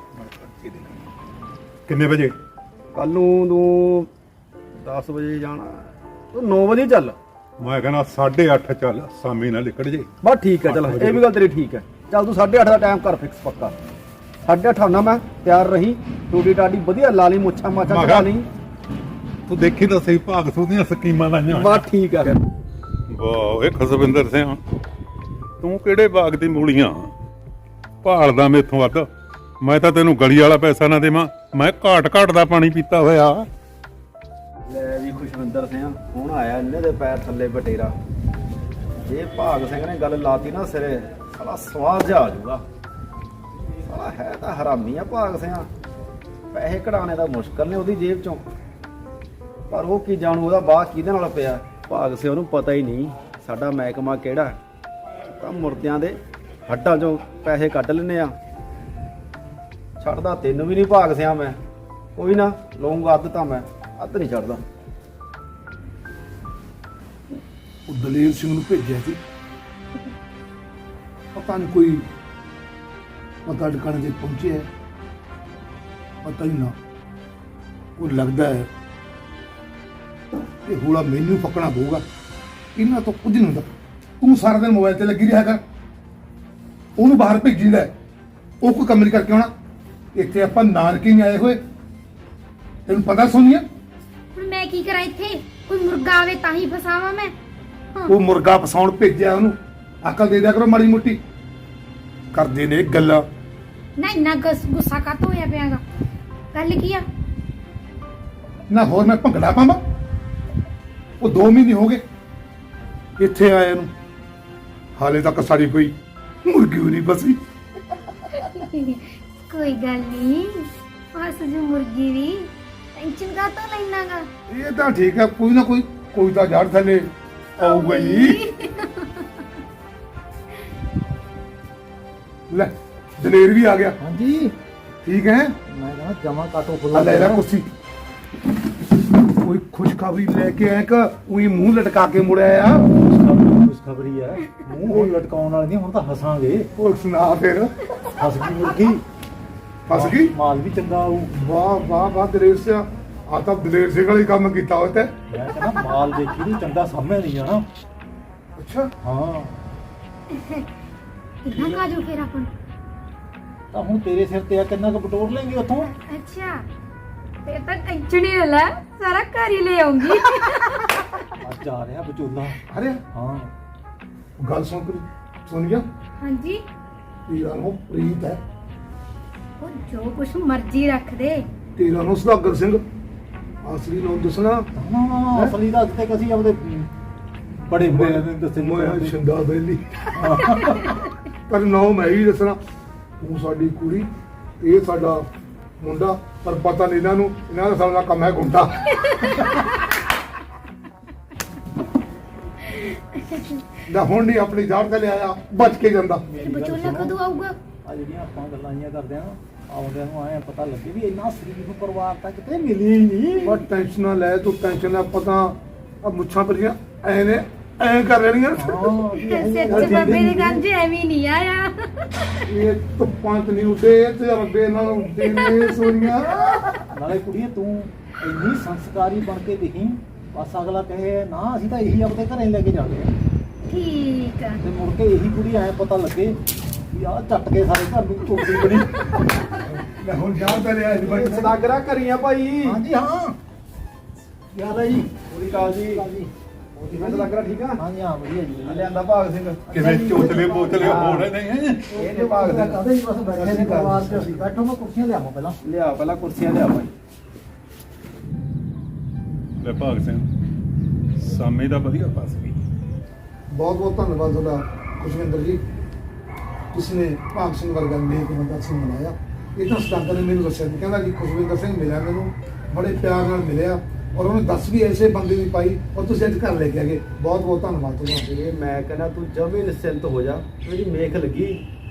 Speaker 3: ਕਿੰਨੇ ਵਜੇ?
Speaker 6: ਕੱਲ ਨੂੰ ਤੂੰ ਦਸ ਵਜੇ ਜਾਣਾ, ਤੂੰ ਨੌ ਵਜੇ ਚੱਲ।
Speaker 3: ਮੈਂ ਕਹਿੰਦਾ ਸਾਢੇ ਅੱਠ ਚੱਲ, ਸਾਮੀ ਨਾਲ ਨਿਕਲ ਜੇ।
Speaker 6: ਬਸ ਠੀਕ ਹੈ, ਚਲ ਇਹ ਵੀ ਗੱਲ ਤੇਰੀ ਠੀਕ ਹੈ। ਚੱਲ ਤੂੰ ਸਾਢੇ ਅੱਠ ਦਾ ਟਾਈਮ ਕਰ ਫਿਕਸ ਪੱਕਾ। ਸਾਢੇ ਅੱਠ ਆਉਣਾ ਮੈਂ, ਤਿਆਰ ਰਹੀ। ਟੂਟੀ ਟਾਟੀ ਵਧੀਆ ਲਾ ਲਈ, ਮੁੱਛਾਂ ਮਾਛਾਂ ਕਢਾ ਲਈ।
Speaker 3: ਤੂੰ ਦੇਖੀ ਤਾਂ ਸਹੀ ਭਾਗ ਸੁੰਦੀਆਂ ਸਕੀਮਾਂ ਲਾਈਆਂ ਹੋਈਆਂ।
Speaker 6: ਬਸ ਠੀਕ ਹੈ।
Speaker 3: ਵਾਹ ਏ ਖੁਸ਼ਵਿੰਦਰ ਸਿੰਘ, ਤੂੰ ਕਿਹੜੇ ਬਾਗ ਦੀ ਮੂਲੀਆਂ ਭਾਲਦਾ ਮੇਥੋਂ ਵੱਧ? ਮੈਂ ਤਾਂ ਤੈਨੂੰ ਗਲੀ ਵਾਲਾ ਪੈਸਾ ਨਾ ਦੇਵਾਂ, ਮੈਂ ਘਾਟ ਘਾਟ ਦਾ ਪਾਣੀ ਪੀਤਾ ਹੋਇਆ।
Speaker 6: ਲੈ ਵੀ ਖੁਸ਼ਵਿੰਦਰ ਸਿੰਘ ਹੁਣ ਆਇਆ ਇਹਨੇ ਦੇ ਪੈਰ ਥੱਲੇ ਬਟੇਰਾ। ਇਹ ਭਾਗ ਸਿੰਘ ਨੇ ਗੱਲ ਲਾਤੀ ਨਾ ਸਿਰੇ, ਸਾਲਾ ਸਵਾਦ ਜਾ ਆ ਜਾਊਗਾ। ਸਾਲਾ ਹੈ ਤਾਂ ਹਰਾਮੀ ਆ ਭਾਗ ਸਿੰਘ, ਪੈਸੇ ਕਢਾਣੇ ਦਾ ਮੁਸ਼ਕਲ ਨੇ ਉਹਦੀ ਜੇਬ ਚੋਂ, ਪਰ ਉਹ ਕੀ ਜਾਣੂ ਉਹਦਾ ਬਾਹ ਕਿਹਦੇ ਨਾਲ ਪਿਆ। ਭਾਗ ਸਿੰਘ ਨੂੰ ਪਤਾ ਹੀ ਨਹੀਂ ਸਾਡਾ ਮਹਿਕਮਾ ਕਿਹੜਾ, ਤਾਂ ਮੁਰਦਿਆਂ ਦੇ ਹੱਡਾਂ ਚੋਂ ਪੈਸੇ ਕੱਢ ਲੈਨੇ ਆ। ਛੱਡਦਾ ਤੈਨੂੰ ਵੀ ਨਹੀਂ ਭਾਗ ਸਿੰਘ ਮੈਂ, ਕੋਈ ਨਾ ਲਊਂਗਾ ਅੱਧ ਤਾਂ ਮੈਂ, ਅੱਧ ਨਹੀਂ ਛੱਡਦਾ।
Speaker 4: ਉਹ ਦਲੇਰ ਸਿੰਘ ਨੂੰ ਭੇਜਿਆ ਸੀ, ਪਤਾ ਨਹੀਂ ਕੋਈ ਪਤਾ ਟਿਕਾਣੇ ਤੇ ਪਹੁੰਚਿਆ, ਪਤਾ ਨਹੀਂ ਨਾ। ਉਹ ਲੱਗਦਾ ਹੈ ਇਹ ਹੋਲਾ ਮੈਨੂੰ ਪਕੜਨਾ ਪਊਗਾ, ਇਹਨਾਂ ਤੋਂ ਕੁਝ ਨਹੀਂ ਹੁੰਦਾ। ਤੂੰ ਸਾਰਾ ਦਿਨ ਮੋਬਾਈਲ ਤੇ ਲੱਗੀ ਰਿਹਾ ਕਰ, ਉਹਨੂੰ ਬਾਹਰ ਭੇਜੀਦਾ ਹੈ, ਉਹ ਕੋਈ ਕੰਮ ਨਹੀਂ ਕਰਕੇ ਆਉਣਾ। ਇੱਥੇ ਆਪਾਂ ਨਾਨਕੇ ਨਹੀਂ ਆਏ ਹੋਏ, ਤੈਨੂੰ ਪਤਾ ਸੋਨੀਆ।
Speaker 5: ਹੁਣ ਮੈਂ ਕੀ ਕਰਾਂ ਇੱਥੇ? ਕੋਈ ਮੁਰਗਾ ਆਵੇ ਤਾਂ ਹੀ ਫਸਾਵਾਂ ਮੈਂ? ਹਾਂ।
Speaker 4: ਉਹ ਮੁਰਗਾ ਫਸਾਉਣ ਭੇਜਿਆ, ਉਹਨੂੰ ਅਕਲ ਦੇ ਦਿਆ ਕਰੋ ਮਾੜੀ ਮੋਟੀ। ਕਰਦੇ ਨੇ ਗੱਲਾਂ।
Speaker 5: ਨਾ ਇੰਨਾ ਗੁੱਸ- ਗੁੱਸਾ ਕਾਤੋਂ ਹੋਇਆ ਪਿਆਗਾ? ਗੱਲ ਕੀ ਆ?
Speaker 4: ਨਾ ਹੋਰ ਮੈਂ ਭੰਗੜਾ ਪਾਵਾਂ? ਉਹ ਦੋ ਮਹੀਨੇ ਹੋ ਗਏ ਇੱਥੇ ਆਏ ਨੂੰ, ਹਾਲੇ ਤੱਕ ਸਾਡੀ ਕੋਈ ਮੁਰਗੀ ਵੀ ਨਹੀਂ ਬਸੀ।
Speaker 5: ਕੋਈ ਗੱਲ ਨਹੀਂ, ਫਸ ਜੂ ਮੁਰਗੀ ਵੀ, ਟੈਨਸ਼ਨ ਕਾਤੋਂ ਲੈਣਾਗਾ?
Speaker 4: ਇਹ ਤਾਂ ਠੀਕ ਹੈ, ਕੋਈ ਨਾ ਕੋਈ ਕੋਈ ਤਾਂ ਜੜ ਥੱਲੇ ਆਊਗਾ ਹੀ। ਲੈ ਦਲੇਰ ਵੀ ਆ ਗਿਆ।
Speaker 2: ਹਾਂਜੀ
Speaker 4: ਠੀਕ ਹੈ,
Speaker 2: ਮੈਂ ਕਹਿੰਦਾ ਜਮਾ ਕਾਟੋ
Speaker 4: ਆ
Speaker 2: ਫੁੱਲਾ
Speaker 4: ਲੈ ਲੈ ਕੁਰਸੀ। ਕੋਈ ਖੁਸ਼ਖਬਰੀ ਲੈ ਕੇ ਆਇਆ ਕਿ ਉਹੀ ਮੂੰਹ ਲਟਕਾ ਕੇ ਮੁੜਿਆ ਆ?
Speaker 2: ਖੁਸ਼ਖਬਰੀ ਹੈ, ਮੂੰਹ ਹੁਣ ਲਟਕਾਉਣ ਵਾਲੀ ਨਹੀਂ, ਹੁਣ ਤਾਂ ਹੱਸਾਂਗੇ।
Speaker 4: ਉਹ ਸੁਣਾ ਫਿਰ।
Speaker 2: ਹੱਸ ਗਈ ਮੁਰਗੀ,
Speaker 4: ਫਸ ਗਈ।
Speaker 2: ਮਾਲ ਵੀ ਚੰਗਾ ਆਊ।
Speaker 4: ਵਾਹ ਵਾਹ ਵਾਹ ਦਲੇਰ ਸਿਆ, ਆ ਤਾਂ ਦਲੇਰ ਸਿੰਘ ਵਾਲੀ ਕੰਮ ਕੀਤਾ ਹੋਇਆ ਤੇ।
Speaker 2: ਮੈਂ ਕਹਿੰਦਾ ਮਾਲ ਦੇਖੀ ਨੂੰ ਚੰਗਾ ਸਾਹਮਣੇ ਨਹੀਂ ਜਾਣਾ।
Speaker 4: ਅੱਛਾ,
Speaker 2: ਹਾਂ
Speaker 5: ਕਿੱਦਾਂ ਕਾਜੂ ਫੇਰ ਆਪਾਂ ਨੂੰ?
Speaker 2: ਤਾਂ ਹੁਣ ਤੇਰੇ ਸਿਰ ਤੇ ਆ, ਕਿੰਨਾ ਕੁ ਬਟੋਰ ਲੈਂਗੇ ਉੱਥੋਂ।
Speaker 5: ਅੱਛਾ ਫੇਰ ਤਾਂ ਟੈਨਸ਼ਨ ਹੀ ਨਾ ਲੈ, ਸਾਰਾ ਘਰ ਹੀ ਲੈ ਆਉਂਗੀ।
Speaker 2: ਅੱਜ ਆ ਰਿਹਾ ਵਿਚੋਲਾ।
Speaker 4: ਅਰੇ
Speaker 2: ਹਾਂ
Speaker 4: ਗੱਲ ਸੁਣ ਤੂੰ, ਸੁਣ ਗਿਆ?
Speaker 5: ਹਾਂਜੀ,
Speaker 4: ਤੇਰਾ ਨਾਮ ਪ੍ਰੀਤ ਹੈ,
Speaker 5: ਉਹ ਜੋ ਕੁਛ ਮਰਜ਼ੀ ਰੱਖ ਦੇ।
Speaker 4: ਤੇਰਾ ਨਾਮ ਸੁਦਾਗਰ ਸਿੰਘ। ਅਸਲੀ ਨਾਮ ਦੱਸਣਾ।
Speaker 2: ਹਾਂ ਅਸਲੀ ਦਾ ਅੱਜ ਤੱਕ ਅਸੀਂ ਆਪਦੇ ਬੜੇ ਹੋਏ ਨੇ ਦੱਸੇ
Speaker 4: ਮੈਂ ਛਿੰਦਾ ਬੇਲੀ, ਪਰ ਨਾਮ ਮੈਂ ਹੀ ਦੱਸਣਾ। ਤੂੰ ਸਾਡੀ ਕੁੜੀ, ਇਹ ਸਾਡਾ ਮੁੰਡਾ, ਪਰ ਪਤਾ ਨਹੀਂ ਇਹਨਾਂ ਨੂੰ, ਇਹਨਾਂ ਦਾ ਸਾਡਾ ਕੰਮ ਹੈ ਗੁੰਡਾ। ਨਾ ਹੁਣ ਨਹੀਂ ਆਪਣੀ ਜਾੜ ਤੇ ਲਿਆਇਆ, ਬਚ ਕੇ ਜਾਂਦਾ।
Speaker 5: ਤੇ ਵਿਚੋਲਾ ਕਦੋਂ ਆਊਗਾ?
Speaker 2: ਆ ਜਿਹੜੀਆਂ ਆਪਾਂ ਗੱਲਾਂ ਜੀਆਂ ਕਰਦੇ ਆ, ਆਉਂਦਿਆਂ ਨੂੰ ਆਏ ਪਤਾ ਲੱਗੇ ਵੀ ਇੰਨਾ ਸਰੀਰ ਨੂੰ ਪਰਿਵਾਰ ਤਾਂ ਕਿਤੇ ਮਿਲੀ ਹੀ ਨਹੀਂ।
Speaker 4: ਬਸ ਟੈਨਸ਼ਨ ਨਾ ਲੈ ਤੂੰ, ਟੈਨਸ਼ਨ ਨਾ, ਪਤਾ ਆ ਮੁੱਛਾਂ ਪਰੀਆਂ ਐ ਨੇ ਐ ਕਰ ਲੈਣੀਆਂ।
Speaker 5: ਸੱਚ ਬਾਬੇ ਦੀ ਗੰਜ ਐਵੇਂ ਨਹੀਂ ਆਇਆ।
Speaker 4: ਇਹ ਧੁੱਪਾਂ ਚ ਨਹੀਂ ਉੱਡੇ ਤੇ ਰੱਬੇ ਨਾਲ ਉੱਡੇ ਨੇ ਸੋਨੀਆਂ।
Speaker 2: ਨਾਲੇ ਕੁੜੀਏ ਤੂੰ ਇੰਨੀ ਸੰਸਕਾਰੀ ਬਣ ਕੇ ਦਿਖੀ, ਬਸ ਅਗਲਾ ਕਹੇ ਨਾ ਅਸੀਂ ਤਾਂ ਇਹੀ ਆਪਣੇ ਘਰੇ ਲੈ ਕੇ ਜਾਂਦੇ ਆ,
Speaker 5: ਠੀਕ ਆ।
Speaker 2: ਤੇ ਮੁੜ ਕੇ ਇਹੀ ਕੁੜੀ ਐ ਪਤਾ ਲੱਗੇ ਵੀ ਆਹ ਚੱਟ ਕੇ ਸਾਰੇ ਘਰ ਨੂੰ ਚੋਟੀ ਬਣੀ।
Speaker 4: ਮੈਂ ਹੁਣ ਜਾਣ ਤੇ ਲਿਆ ਜੀ ਬੜੀ
Speaker 6: ਸਦਾਗਰਾ ਕਰੀਆਂ ਭਾਈ।
Speaker 2: ਹਾਂਜੀ ਹਾਂ ਯਾਦ ਹੈ ਜੀ।
Speaker 6: ਪੂਰੀ ਕਾਲ ਜੀ। ਮੈਂ ਸਦਾਗਰਾ ਠੀਕ ਆ?
Speaker 2: ਹਾਂਜੀ ਹਾਂ ਵਧੀਆ ਜੀ।
Speaker 6: ਲਿਆਂਦਾ ਭਾਗ ਸਿੰਘ।
Speaker 3: ਕਿਵੇਂ ਚੋਚਲੇ ਬੋਚਲੇ ਹੋ ਰਹੇ ਨੇ।
Speaker 6: ਇਹ ਨੇ ਭਾਗ ਸਿੰਘ।
Speaker 2: ਕਦੇ ਹੀ ਬਸ ਬੈਠੇ ਨੇ ਪਰਿਵਾਰ ਚ ਅਸੀਂ। ਬੈਠੋ, ਮੈਂ ਕੁਰਸੀਆਂ ਲਿਆਵਾਂ ਪਹਿਲਾਂ।
Speaker 6: ਲਿਆ ਪਹਿਲਾਂ ਕੁਰਸੀਆਂ ਲਿਆ ਭਾਈ।
Speaker 3: ਲੈ ਭਾਗ ਸਿੰਘ, ਸਾਮੇ ਦਾ ਵਧੀਆ ਫਸ ਗਈ।
Speaker 4: ਬਹੁਤ ਬਹੁਤ ਧੰਨਵਾਦ ਤੁਹਾਡਾ ਖੁਸ਼ਵਿੰਦਰ ਜੀ, ਤੁਸੀਂ ਨੇ ਭਾਗ ਸਿੰਘ ਵਰਗਾ ਨੇਕ ਬੰਦਾ ਸਿੰਘ ਬਣਾਇਆ। ਇਹ ਤਾਂ ਸਦਾਗਰ ਨੇ ਮੈਨੂੰ ਦੱਸਿਆ ਸੀ, ਕਹਿੰਦਾ ਜੀ ਖੁਸ਼ਵਿੰਦਰ ਸਿੰਘ ਮਿਲਿਆ ਮੈਨੂੰ, ਬੜੇ ਪਿਆਰ ਨਾਲ ਮਿਲਿਆ, ਔਰ ਉਹਨੇ ਦੱਸ ਵੀ ਐਸੇ ਬੰਦੇ ਦੀ ਪਾਈ, ਔਰ ਤੁਸੀਂ ਅੱਜ ਘਰ ਲੈ ਕੇ ਆ ਗਏ। ਬਹੁਤ ਬਹੁਤ ਧੰਨਵਾਦ ਤੁਹਾਡਾ।
Speaker 6: ਇਹ ਮੈਂ ਕਹਿੰਦਾ ਤੂੰ ਜਮੇ ਨਿਸ਼ਚਿੰਤ ਹੋ ਜਾ, ਮੇਰੀ ਮੇਖ ਲੱਗੀ,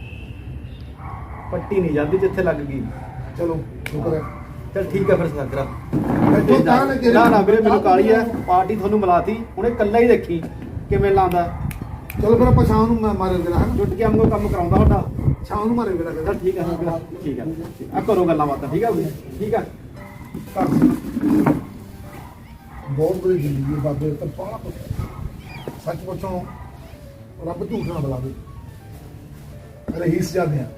Speaker 6: ਪੱਟੀ ਨਹੀਂ ਜਾਂਦੀ ਜਿੱਥੇ ਲੱਗ ਗਈ।
Speaker 4: ਚਲੋ ਸ਼ੁਕਰ ਹੈ।
Speaker 6: ਚਲ ਠੀਕ ਹੈ ਫਿਰ ਸਦਾਗਰਾ।
Speaker 4: ਬੈਠੋ ਤਾਂ ਲੱਗੇ
Speaker 6: ਨਾ ਨਾ ਵੀਰੇ ਮੈਨੂੰ ਕਾਲੀ ਹੈ, ਪਾਰਟੀ ਤੁਹਾਨੂੰ ਮਿਲਾਤੀ, ਹੁਣ ਇਹ ਇਕੱਲਾ ਹੀ ਦੇਖੀ ਕਿਵੇਂ ਲਾਉਂਦਾ।
Speaker 4: ਚਲੋ ਫਿਰ ਆਪਾਂ ਸ਼ਾਮ ਨੂੰ ਮੈਂ ਮਾਰੇ ਦੇਣਾ ਹੈ,
Speaker 6: ਜੁੱਟ ਕੇ ਆਮਗੋ ਕੰਮ ਕਰਾਉਂਦਾ ਤੁਹਾਡਾ।
Speaker 4: ਸ਼ਾਮ ਨੂੰ ਮਾਰੇ ਦੇਣਾ ਫਿਰ।
Speaker 6: ਚਲ ਠੀਕ ਹੈ ਸਦਾਗਰਾ, ਠੀਕ ਹੈ ਆ ਕਰੋ ਗੱਲਾਂ ਬਾਤਾਂ। ਠੀਕ ਹੈ ਵੀਰੇ, ਠੀਕ ਹੈ।
Speaker 4: ਬਹੁਤ ਬੜੀ ਜ਼ਿੰਦਗੀ ਹੈ ਬਾਬੇ ਤਾਂ ਬਾਹਲਾ ਕੁਛ ਹੈ। ਸੱਚ ਪੁੱਛੋ, ਰੱਬ ਝੂਠ ਨਾ ਬੁਲਾਵੇ। ਰਹੀਸ ਜਾਂਦੇ ਆ,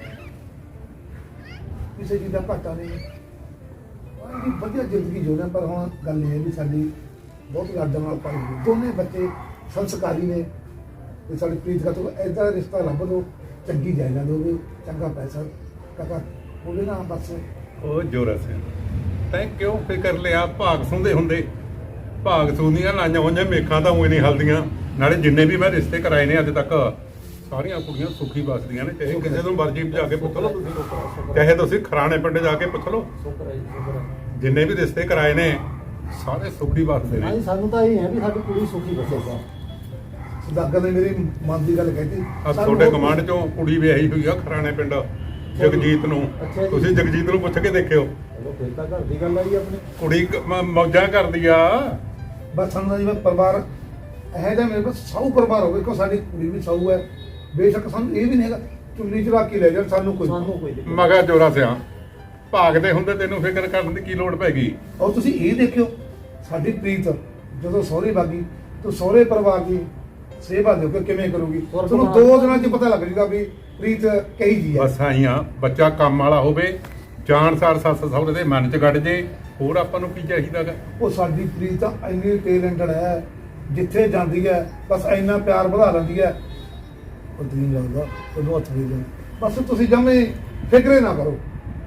Speaker 4: ਕਿਸੇ ਚੀਜ਼ ਦਾ ਘਾਟਾ ਨਹੀਂ। ਉਹਦੀ ਵਧੀਆ ਜ਼ਿੰਦਗੀ ਜਿਉਂਦੇ ਹਾਂ, ਪਰ ਹੁਣ ਗੱਲ ਇਹ ਹੈ ਵੀ ਸਾਡੀ ਬਹੁਤ ਲਾਡਾਂ ਨਾਲ ਪਾਈ ਹੋਈ। ਦੋਨੇ ਬੱਚੇ ਸੰਸਕਾਰੀ ਨੇ, ਤੇ ਸਾਡੀ ਪ੍ਰੀਤ ਦਾ ਤੋਂ ਐਦਾ ਰਿਸ਼ਤਾ ਲੱਭ ਦਿਓ, ਚੰਗੀ ਜਾਇਦਾਦ ਹੋਵੇ, ਚੰਗਾ ਪੈਸਾ ਕਾਕਾ ਉਹਦੇ ਨਾਲ ਬਸ।
Speaker 3: ਉਹ ਜੋਰਾ ਸਿੰਘ, ਤੈਂ ਕਿਉਂ ਫਿਕਰ ਲਿਆ? ਭਾਗ ਸੁੰਦੇ ਹੁੰਦੇ, ਭਾਗ ਸੁੰਦੀਆਂ ਲਾਈਆਂ ਹੋਈਆਂ ਮੇਖਾਂ ਤਾਂ ਉਹੀ ਨਹੀਂ ਹਲਦੀਆਂ। ਨਾਲੇ ਜਿੰਨੇ ਵੀ ਮੈਂ ਰਿਸ਼ਤੇ ਕਰਾਏ ਨੇ ਅੱਜ ਤੱਕ, ਸਾਰੀਆਂ ਕੁੜੀਆਂ ਸੁਖੀ ਵਸਦੀਆਂ ਨੇ। ਚਾਹੇ ਕਿਸੇ ਤੋਂ ਮਰਜ਼ੀ ਜਾ ਕੇ ਪੁੱਛ ਲਓ ਤੁਸੀਂ, ਚਾਹੇ ਤੁਸੀਂ ਖਰਾਣੇ ਪਿੰਡ ਜਾ ਕੇ ਪੁੱਛ ਲਓ।
Speaker 2: ਸ਼ੁਕਰ ਹੈ ਜੀ, ਸ਼ੁਕਰ ਹੈ।
Speaker 3: ਜਿੰਨੇ ਵੀ ਰਿਸ਼ਤੇ ਕਰਾਏ ਨੇ ਸਾਰੇ ਸੁਖੀ ਵਸਦੇ
Speaker 2: ਹਾਂਜੀ
Speaker 3: ਨੇ।
Speaker 2: ਸਾਨੂੰ ਤਾਂ ਇਹ ਹੈ ਵੀ ਸਾਡੀ ਕੁੜੀ ਸੁਖੀ ਬਸੇਗਾ।
Speaker 4: ਸਦਾਗਰ ਨੇ ਮੇਰੀ ਮਨ ਦੀ ਗੱਲ ਕਹਿਤੀ।
Speaker 3: ਆ ਤੁਹਾਡੇ ਕਮਾਂਡ ਚੋਂ ਕੁੜੀ ਵਿਆਹੀ ਹੋਈ ਆ ਖਰਾਣੇ ਪਿੰਡ, ਜਗਜੀਤ ਨੂੰ।
Speaker 2: ਅੱਛਾ ਜੀ।
Speaker 3: ਤੁਸੀਂ ਜਗਜੀਤ ਨੂੰ ਪੁੱਛ ਕੇ ਦੇਖਿਓ,
Speaker 2: ਚਲੋ ਫਿਰ ਤਾਂ ਘਰ ਦੀ ਗੱਲ ਆਈ ਆਪਣੀ।
Speaker 3: ਕੁੜੀ ਕ- ਮ- ਮੌਜਾਂ ਕਰਦੀ ਆ।
Speaker 4: ਬਸ ਸਾਨੂੰ ਜੀ ਮੈਂ ਪਰਿਵਾਰ ਇਹ ਜਿਹਾ ਮੇਰੇ ਕੋਲ ਸੌ ਪਰਿਵਾਰ ਹੋਵੇ, ਕੋ ਸਾਡੀ ਕੁੜੀ ਵੀ ਸੌ ਹੈ। ਬੇਸ਼ੱਕ ਸਾਨੂੰ ਇਹ ਵੀ ਨਹੀਂ ਹੈਗਾ ਚੁੰਨੀ ਚੜਾ ਕੇ ਲੈ ਜਾਣ, ਸਾਨੂੰ ਕੋਈ
Speaker 2: ਸਾਨੂੰ ਕੋਈ ਦਿੱਕਤ
Speaker 3: ਮਗਾ ਜੋਰਾ ਸਿਆ ਭਾਗਦੇ ਹੁੰਦੇ, ਤੈਨੂੰ ਫਿਕਰ ਕਰਨ ਦੀ ਕੀ ਲੋੜ ਪੈ ਗਈ?
Speaker 4: ਔਰ ਤੁਸੀਂ ਇਹ ਦੇਖਿਓ, ਸਾਡੀ ਪ੍ਰੀਤ ਜਦੋਂ ਸਹੁਰੇ ਬਾਗੀ ਤਾਂ ਸਹੁਰੇ ਪਰਿਵਾਰ ਦੀ ਸੇਵਾ ਦਿਓ ਕਿ ਕਿਵੇਂ ਕਰੂਗੀ। ਤੁਹਾਨੂੰ ਦੋ ਦਿਨਾਂ 'ਚ ਪਤਾ ਲੱਗ ਜੂਗਾ ਵੀ ਪ੍ਰੀਤ ਕਹੀ ਜੀ ਹੈ।
Speaker 3: ਬਸ ਆਈਆਂ, ਬੱਚਾ ਕੰਮ ਵਾਲਾ ਹੋਵੇ, ਜਾਣਸਾਰ ਸੱਸ ਸਹੁਰੇ ਦੇ ਮਨ 'ਚ ਗੱਡ ਜੇ, ਹੋਰ ਆਪਾਂ ਨੂੰ ਕੀ ਚਾਹੀਦਾ ਗਾ?
Speaker 4: ਉਹ ਸਾਡੀ ਪ੍ਰੀਤ ਤਾਂ ਇੰਨੀ ਟੈਲੈਂਟਡ ਹੈ, ਜਿੱਥੇ ਜਾਂਦੀ ਹੈ ਬਸ ਇੰਨਾ ਪਿਆਰ ਵਧਾ ਲੈਂਦੀ ਹੈ। ਉਹ ਦਿਨ ਲੱਗਦਾ ਉਹਨੂੰ ਹੱਥ ਦੇ ਦੇ, ਬਸ ਤੁਸੀਂ ਜਮੇ ਫਿਕਰੇ ਨਾ ਕਰੋ।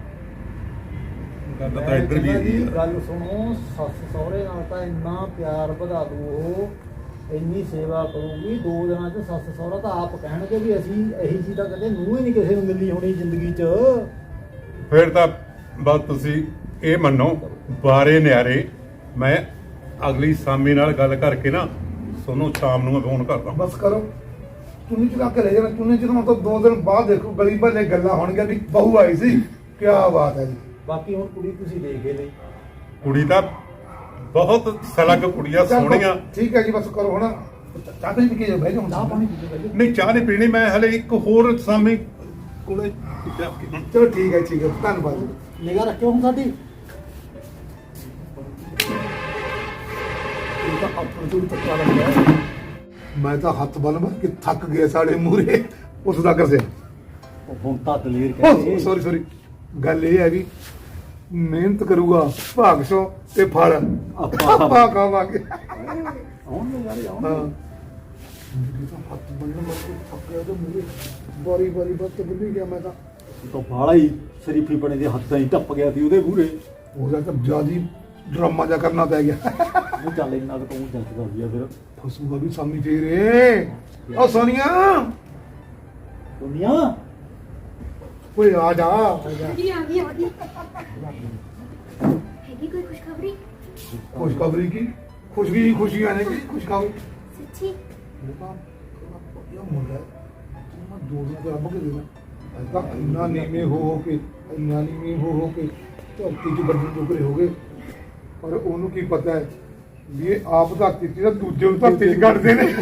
Speaker 3: ਗੱਲ ਤਾਂ ਇੱਧਰ ਵੀ ਹੈਗੀ
Speaker 2: ਜੀ
Speaker 3: ਆ।
Speaker 2: ਗੱਲ ਸੁਣੋ, ਸੱਸ ਸਹੁਰੇ ਨਾਲ ਤਾਂ ਇੰਨਾ ਪਿਆਰ ਵਧਾ ਦੂ, ਉਹ ਇੰਨੀ ਸੇਵਾ ਕਰੂਗੀ। ਦੋ ਦਿਨਾਂ ਚ ਸੱਸ ਸਹੁਰਾ ਤਾਂ ਆਪ ਕਹਿਣਗੇ ਵੀ ਅਸੀਂ ਇਹੀ ਚੀਜ਼ ਤਾਂ ਕਦੇ ਨੂੰ ਹੀ ਨਹੀਂ ਕਿਸੇ ਨੂੰ ਮਿਲੀ ਹੋਣੀ ਜ਼ਿੰਦਗੀ ਚ।
Speaker 3: ਫਿਰ ਤਾਂ ਬਸ ਤੁਸੀਂ ਇਹ ਮੰਨੋ, ਬਾਰੇ ਨਿਆਰੇ। ਮੈਂ ਅਗਲੀ ਸਾਮੀ ਨਾਲ ਗੱਲ ਕਰਕੇ ਨਾ ਤੁਹਾਨੂੰ ਸ਼ਾਮ ਨੂੰ ਮੈਂ ਫੋਨ ਕਰਦਾ।
Speaker 4: ਬਸ ਕਰੋ, ਚੁੰਨੀ ਚੁਰਾ ਕੇ ਲੈ ਜਾਣਾ। ਚੁੰਨੀ ਚੁਰਾ ਤੋਂ ਦੋ ਦਿਨ ਬਾਅਦ ਦੇਖੋ ਗਲੀ ਭੱਲੇ ਗੱਲਾਂ ਹੋਣਗੀਆਂ ਵੀ ਬਹੂ ਆਈ ਸੀ। ਕੀ ਬਾਤ ਹੈ ਜੀ।
Speaker 2: ਬਾਕੀ ਹੁਣ ਕੁੜੀ ਤੁਸੀਂ ਦੇਖ ਕੇ ਲਈ
Speaker 3: ਕੁੜੀ ਤਾਂ ਬਹੁਤ ਸਲਗ ਕੁੜੀਆਂ
Speaker 4: ਚੱਲ
Speaker 3: ਸੋਹਣੀਆਂ।
Speaker 4: ਠੀਕ ਹੈ ਜੀ, ਬਸ ਕਰੋ ਹੁਣ ਚਾਹ ਪਾਣੀ ਪੀ ਕੇ ਜਾਓ, ਬਹਿ ਜਾਓ ਹੁਣ।
Speaker 2: ਚਾਹ ਪਾਣੀ ਪੀ ਕੇ
Speaker 3: ਨਹੀਂ ਚਾਹ ਨਹੀਂ ਪੀਣੀ, ਮੈਂ ਹਲੇ ਇੱਕ ਹੋਰ ਸਾਮੀ ਕੋਲੇ ਜਾ ਕੇ ਹੁਣ
Speaker 4: ਚਲੋ ਠੀਕ ਹੈ ਠੀਕ ਹੈ, ਧੰਨਵਾਦ ਜੀ।
Speaker 2: ਨਿਗਾਹ ਰੱਖਿਓ ਹੁਣ ਸਾਡੀ।
Speaker 4: ਇਹ ਤਾਂ ਆਪਣੇ ਤੋਂ ਵੀ ਤੱਕਾ ਲੱਗ ਗਿਆ। ਮੈਂ ਤਾਂ ਹੱਥ ਬੰਨ ਬੰਨ ਕੇ ਥੱਕ ਗਿਆ ਸਾਡੇ ਮੂਹਰੇ ਉਸ ਦਾ ਕਰਸੇ।
Speaker 2: ਉਹ ਹੁਣ ਤਾਂ ਦਲੇਰ ਕਹਿੰਦੇ
Speaker 4: ਸੌਰੀ ਸੌਰੀ, ਗੱਲ ਇਹ ਹੈ ਵੀ ਮਿਹਨਤ ਕਰੂਗਾ ਭਾਗ ਸੋ ਤੇ ਫਲ
Speaker 2: ਆਪਾਂ
Speaker 4: ਆਪਾਂ ਖਾਵਾਂਗੇ।
Speaker 2: ਆਉਣ ਦੇ ਯਾਰ ਆਉਣ
Speaker 4: ਹਾਂ ਇਹ ਤਾਂ ਹੱਥ ਬੰਨ ਬੰਨ ਕੇ ਥੱਕ ਗਿਆ ਤੇ ਮੂਹਰੇ ਬਾਰੀ ਬਾਰੀ ਬਸ ਤੇ ਬੰਨੀ ਗਿਆ ਮੈਂ ਤਾਂ।
Speaker 2: ਤਾਂ ਬਾਲਾ ਹੀ ਸ਼ਰੀਫੀ ਬਣੇ ਦੇ ਹੱਥਾਂ ਹੀ ਟੱਪ ਗਿਆ ਸੀ ਉਹਦੇ ਮੂਹਰੇ।
Speaker 4: ਉਹਦਾ ਤਾਂ ਜਿਆਦੀ ਡਰਾਮਾ ਜਾ ਕਰਨਾ ਪੈ ਗਿਆ।
Speaker 2: ਉਹ ਚੱਲ ਇੰਨਾ ਕੁ ਤੂੰ ਜਲਦੀ ਕਰ ਦਿਆ ਫਿਰ
Speaker 4: ਫਸੂਗਾ ਵੀ ਸਾਮੀ ਫੇਰੇ। ਓ ਸੋਨੀਆ
Speaker 2: ਦੁਨੀਆ
Speaker 4: ਓਏ ਆ ਜਾ।
Speaker 5: ਜੀ ਆ ਗਈ ਆ ਗਈ ਹੈਗੀ ਕੋਈ ਖੁਸ਼ਖਬਰੀ?
Speaker 4: ਖੁਸ਼ਖਬਰੀ ਕੀ ਖੁਸ਼ੀ ਖੁਸ਼ੀਆਂ ਨੇ ਕੀ ਖੁਸ਼ਖਬਰੀ।
Speaker 5: ਸੱਚੀ?
Speaker 4: ਇਹ ਤਾਂ ਇਹ ਮੁੰਡਾ ਹੈ। ਮੈਂ ਦੋ ਦਿਨ ਤੇ ਰੱਬ ਕੇ ਦੇਣਾ ਅੱਜ ਤੱਕ ਇੰਨਾ ਨੀਵੇਂ ਹੋ ਹੋ ਕੇ ਇੰਨਾ ਨੀਵੇਂ ਹੋ ਹੋ ਕੇ ਧਰਤੀ 'ਚ ਵੱਡੇ ਟੁਕੜੇ ਹੋ ਗਏ। ਪਰ ਉਹਨੂੰ ਕੀ ਪਤਾ ਹੈ ਵੀ ਇਹ ਆਪ ਧਰਤੀ 'ਚ ਤਾਂ ਦੂਜੇ ਨੂੰ ਧਰਤੀ 'ਚ ਕੱਢਦੇ ਨੇ।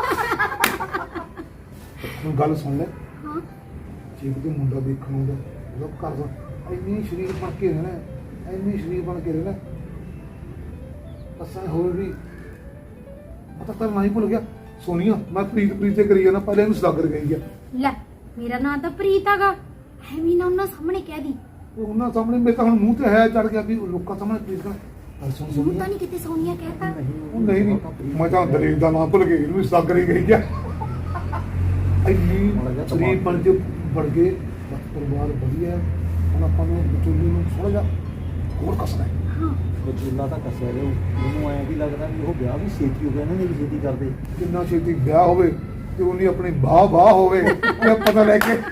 Speaker 4: ਹੁਣ ਗੱਲ ਸੁਣ ਲੈ।
Speaker 5: ਹਾਂ
Speaker 4: ਜੇ ਕਿਤੇ ਮੁੰਡਾ ਦੇਖਣ ਆਉਂਦਾ ਉਹਦਾ ਘਰ ਦਾ ਇੰਨੀ ਸ਼ਰੀਰ ਬਣ ਕੇ ਰਹਿਣਾ ਇੰਨੀ ਸ਼ਰੀਰ ਬਣ ਕੇ ਰਹਿਣਾ ਅਸਾਂ ਹੋਰ ਵੀ ਪਤਾ ਤਾਂ ਨਹੀਂ ਭੁੱਲ ਗਿਆ। ਸੋਨੀਆ ਮੈਂ ਪ੍ਰੀਤ ਪ੍ਰੀਤ ਤੇ ਕਰੀ ਜਾਣਾ, ਪਹਿਲੇ ਇਹਨੂੰ ਸਦਾਗਰ ਗਈ ਆ।
Speaker 5: ਲੈ ਮੇਰਾ ਨਾਂ ਤਾਂ ਪ੍ਰੀਤ ਹੈਗਾ, ਐਵੇਂ ਨਾ ਉਹਨਾਂ ਸਾਹਮਣੇ ਕਹਿ ਦੀ।
Speaker 4: ਉਹ ਉਹਨਾਂ ਸਾਹਮਣੇ ਮੇਰੇ ਤਾਂ ਹੁਣ ਮੂੰਹ ਤੇ ਹੈ ਚੜ ਗਿਆ ਵੀ ਲੋਕਾਂ ਸਾਹਮਣੇ ਪ੍ਰੀਤ ਕਰ। ਸੁਣ
Speaker 5: ਤੂੰ
Speaker 4: ਸੋਨੀਆ
Speaker 5: ਤਾਂ ਨਹੀਂ ਕਿਤੇ ਸੋਨੀਆ ਕਹਿਤਾ?
Speaker 4: ਉਹ ਨਹੀਂ ਨਹੀਂ ਮੈਂ ਤਾਂ ਦਲੇਰ ਦਾ ਨਾਮ ਭੁੱਲ ਗਈ, ਇਹਨੂੰ ਸਦਾਗਰ ਹੀ ਗਈ ਆ। ਇੰਨੀ ਸ਼ਰੀਰ ਬਣ ਕੇ ਬਣ ਗਏ ਬਸ ਪਰਿਵਾਰ ਵਧੀਆ। ਹੁਣ ਆਪਾਂ ਨੂੰ ਵਿਚੋਲੇ ਨੂੰ ਥੋੜਾ ਜਿਹਾ ਹੋਰ ਕੱਸਣਾ ਹੈ।
Speaker 5: ਹਾਂ
Speaker 2: ਬਚੂਲਾ ਤਾਂ ਕੱਸਿਆ ਰਿਹਾ ਮੈਨੂੰ ਐਂ ਵੀ ਲੱਗਦਾ ਵੀ ਉਹ ਵਿਆਹ ਵੀ ਛੇਤੀ ਹੋ ਗਿਆ ਇਹਨਾਂ ਨੇ ਵੀ ਛੇਤੀ ਕਰਦੇ।
Speaker 4: ਕਿੰਨਾ ਛੇਤੀ ਵਿਆਹ ਹੋਵੇ ਤੇ ਉਹਨੀ ਆਪਣੀ ਬਾਹ ਬਾਹ ਹੋਵੇ ਇਹ ਪਤਾ ਲੈ ਕੇ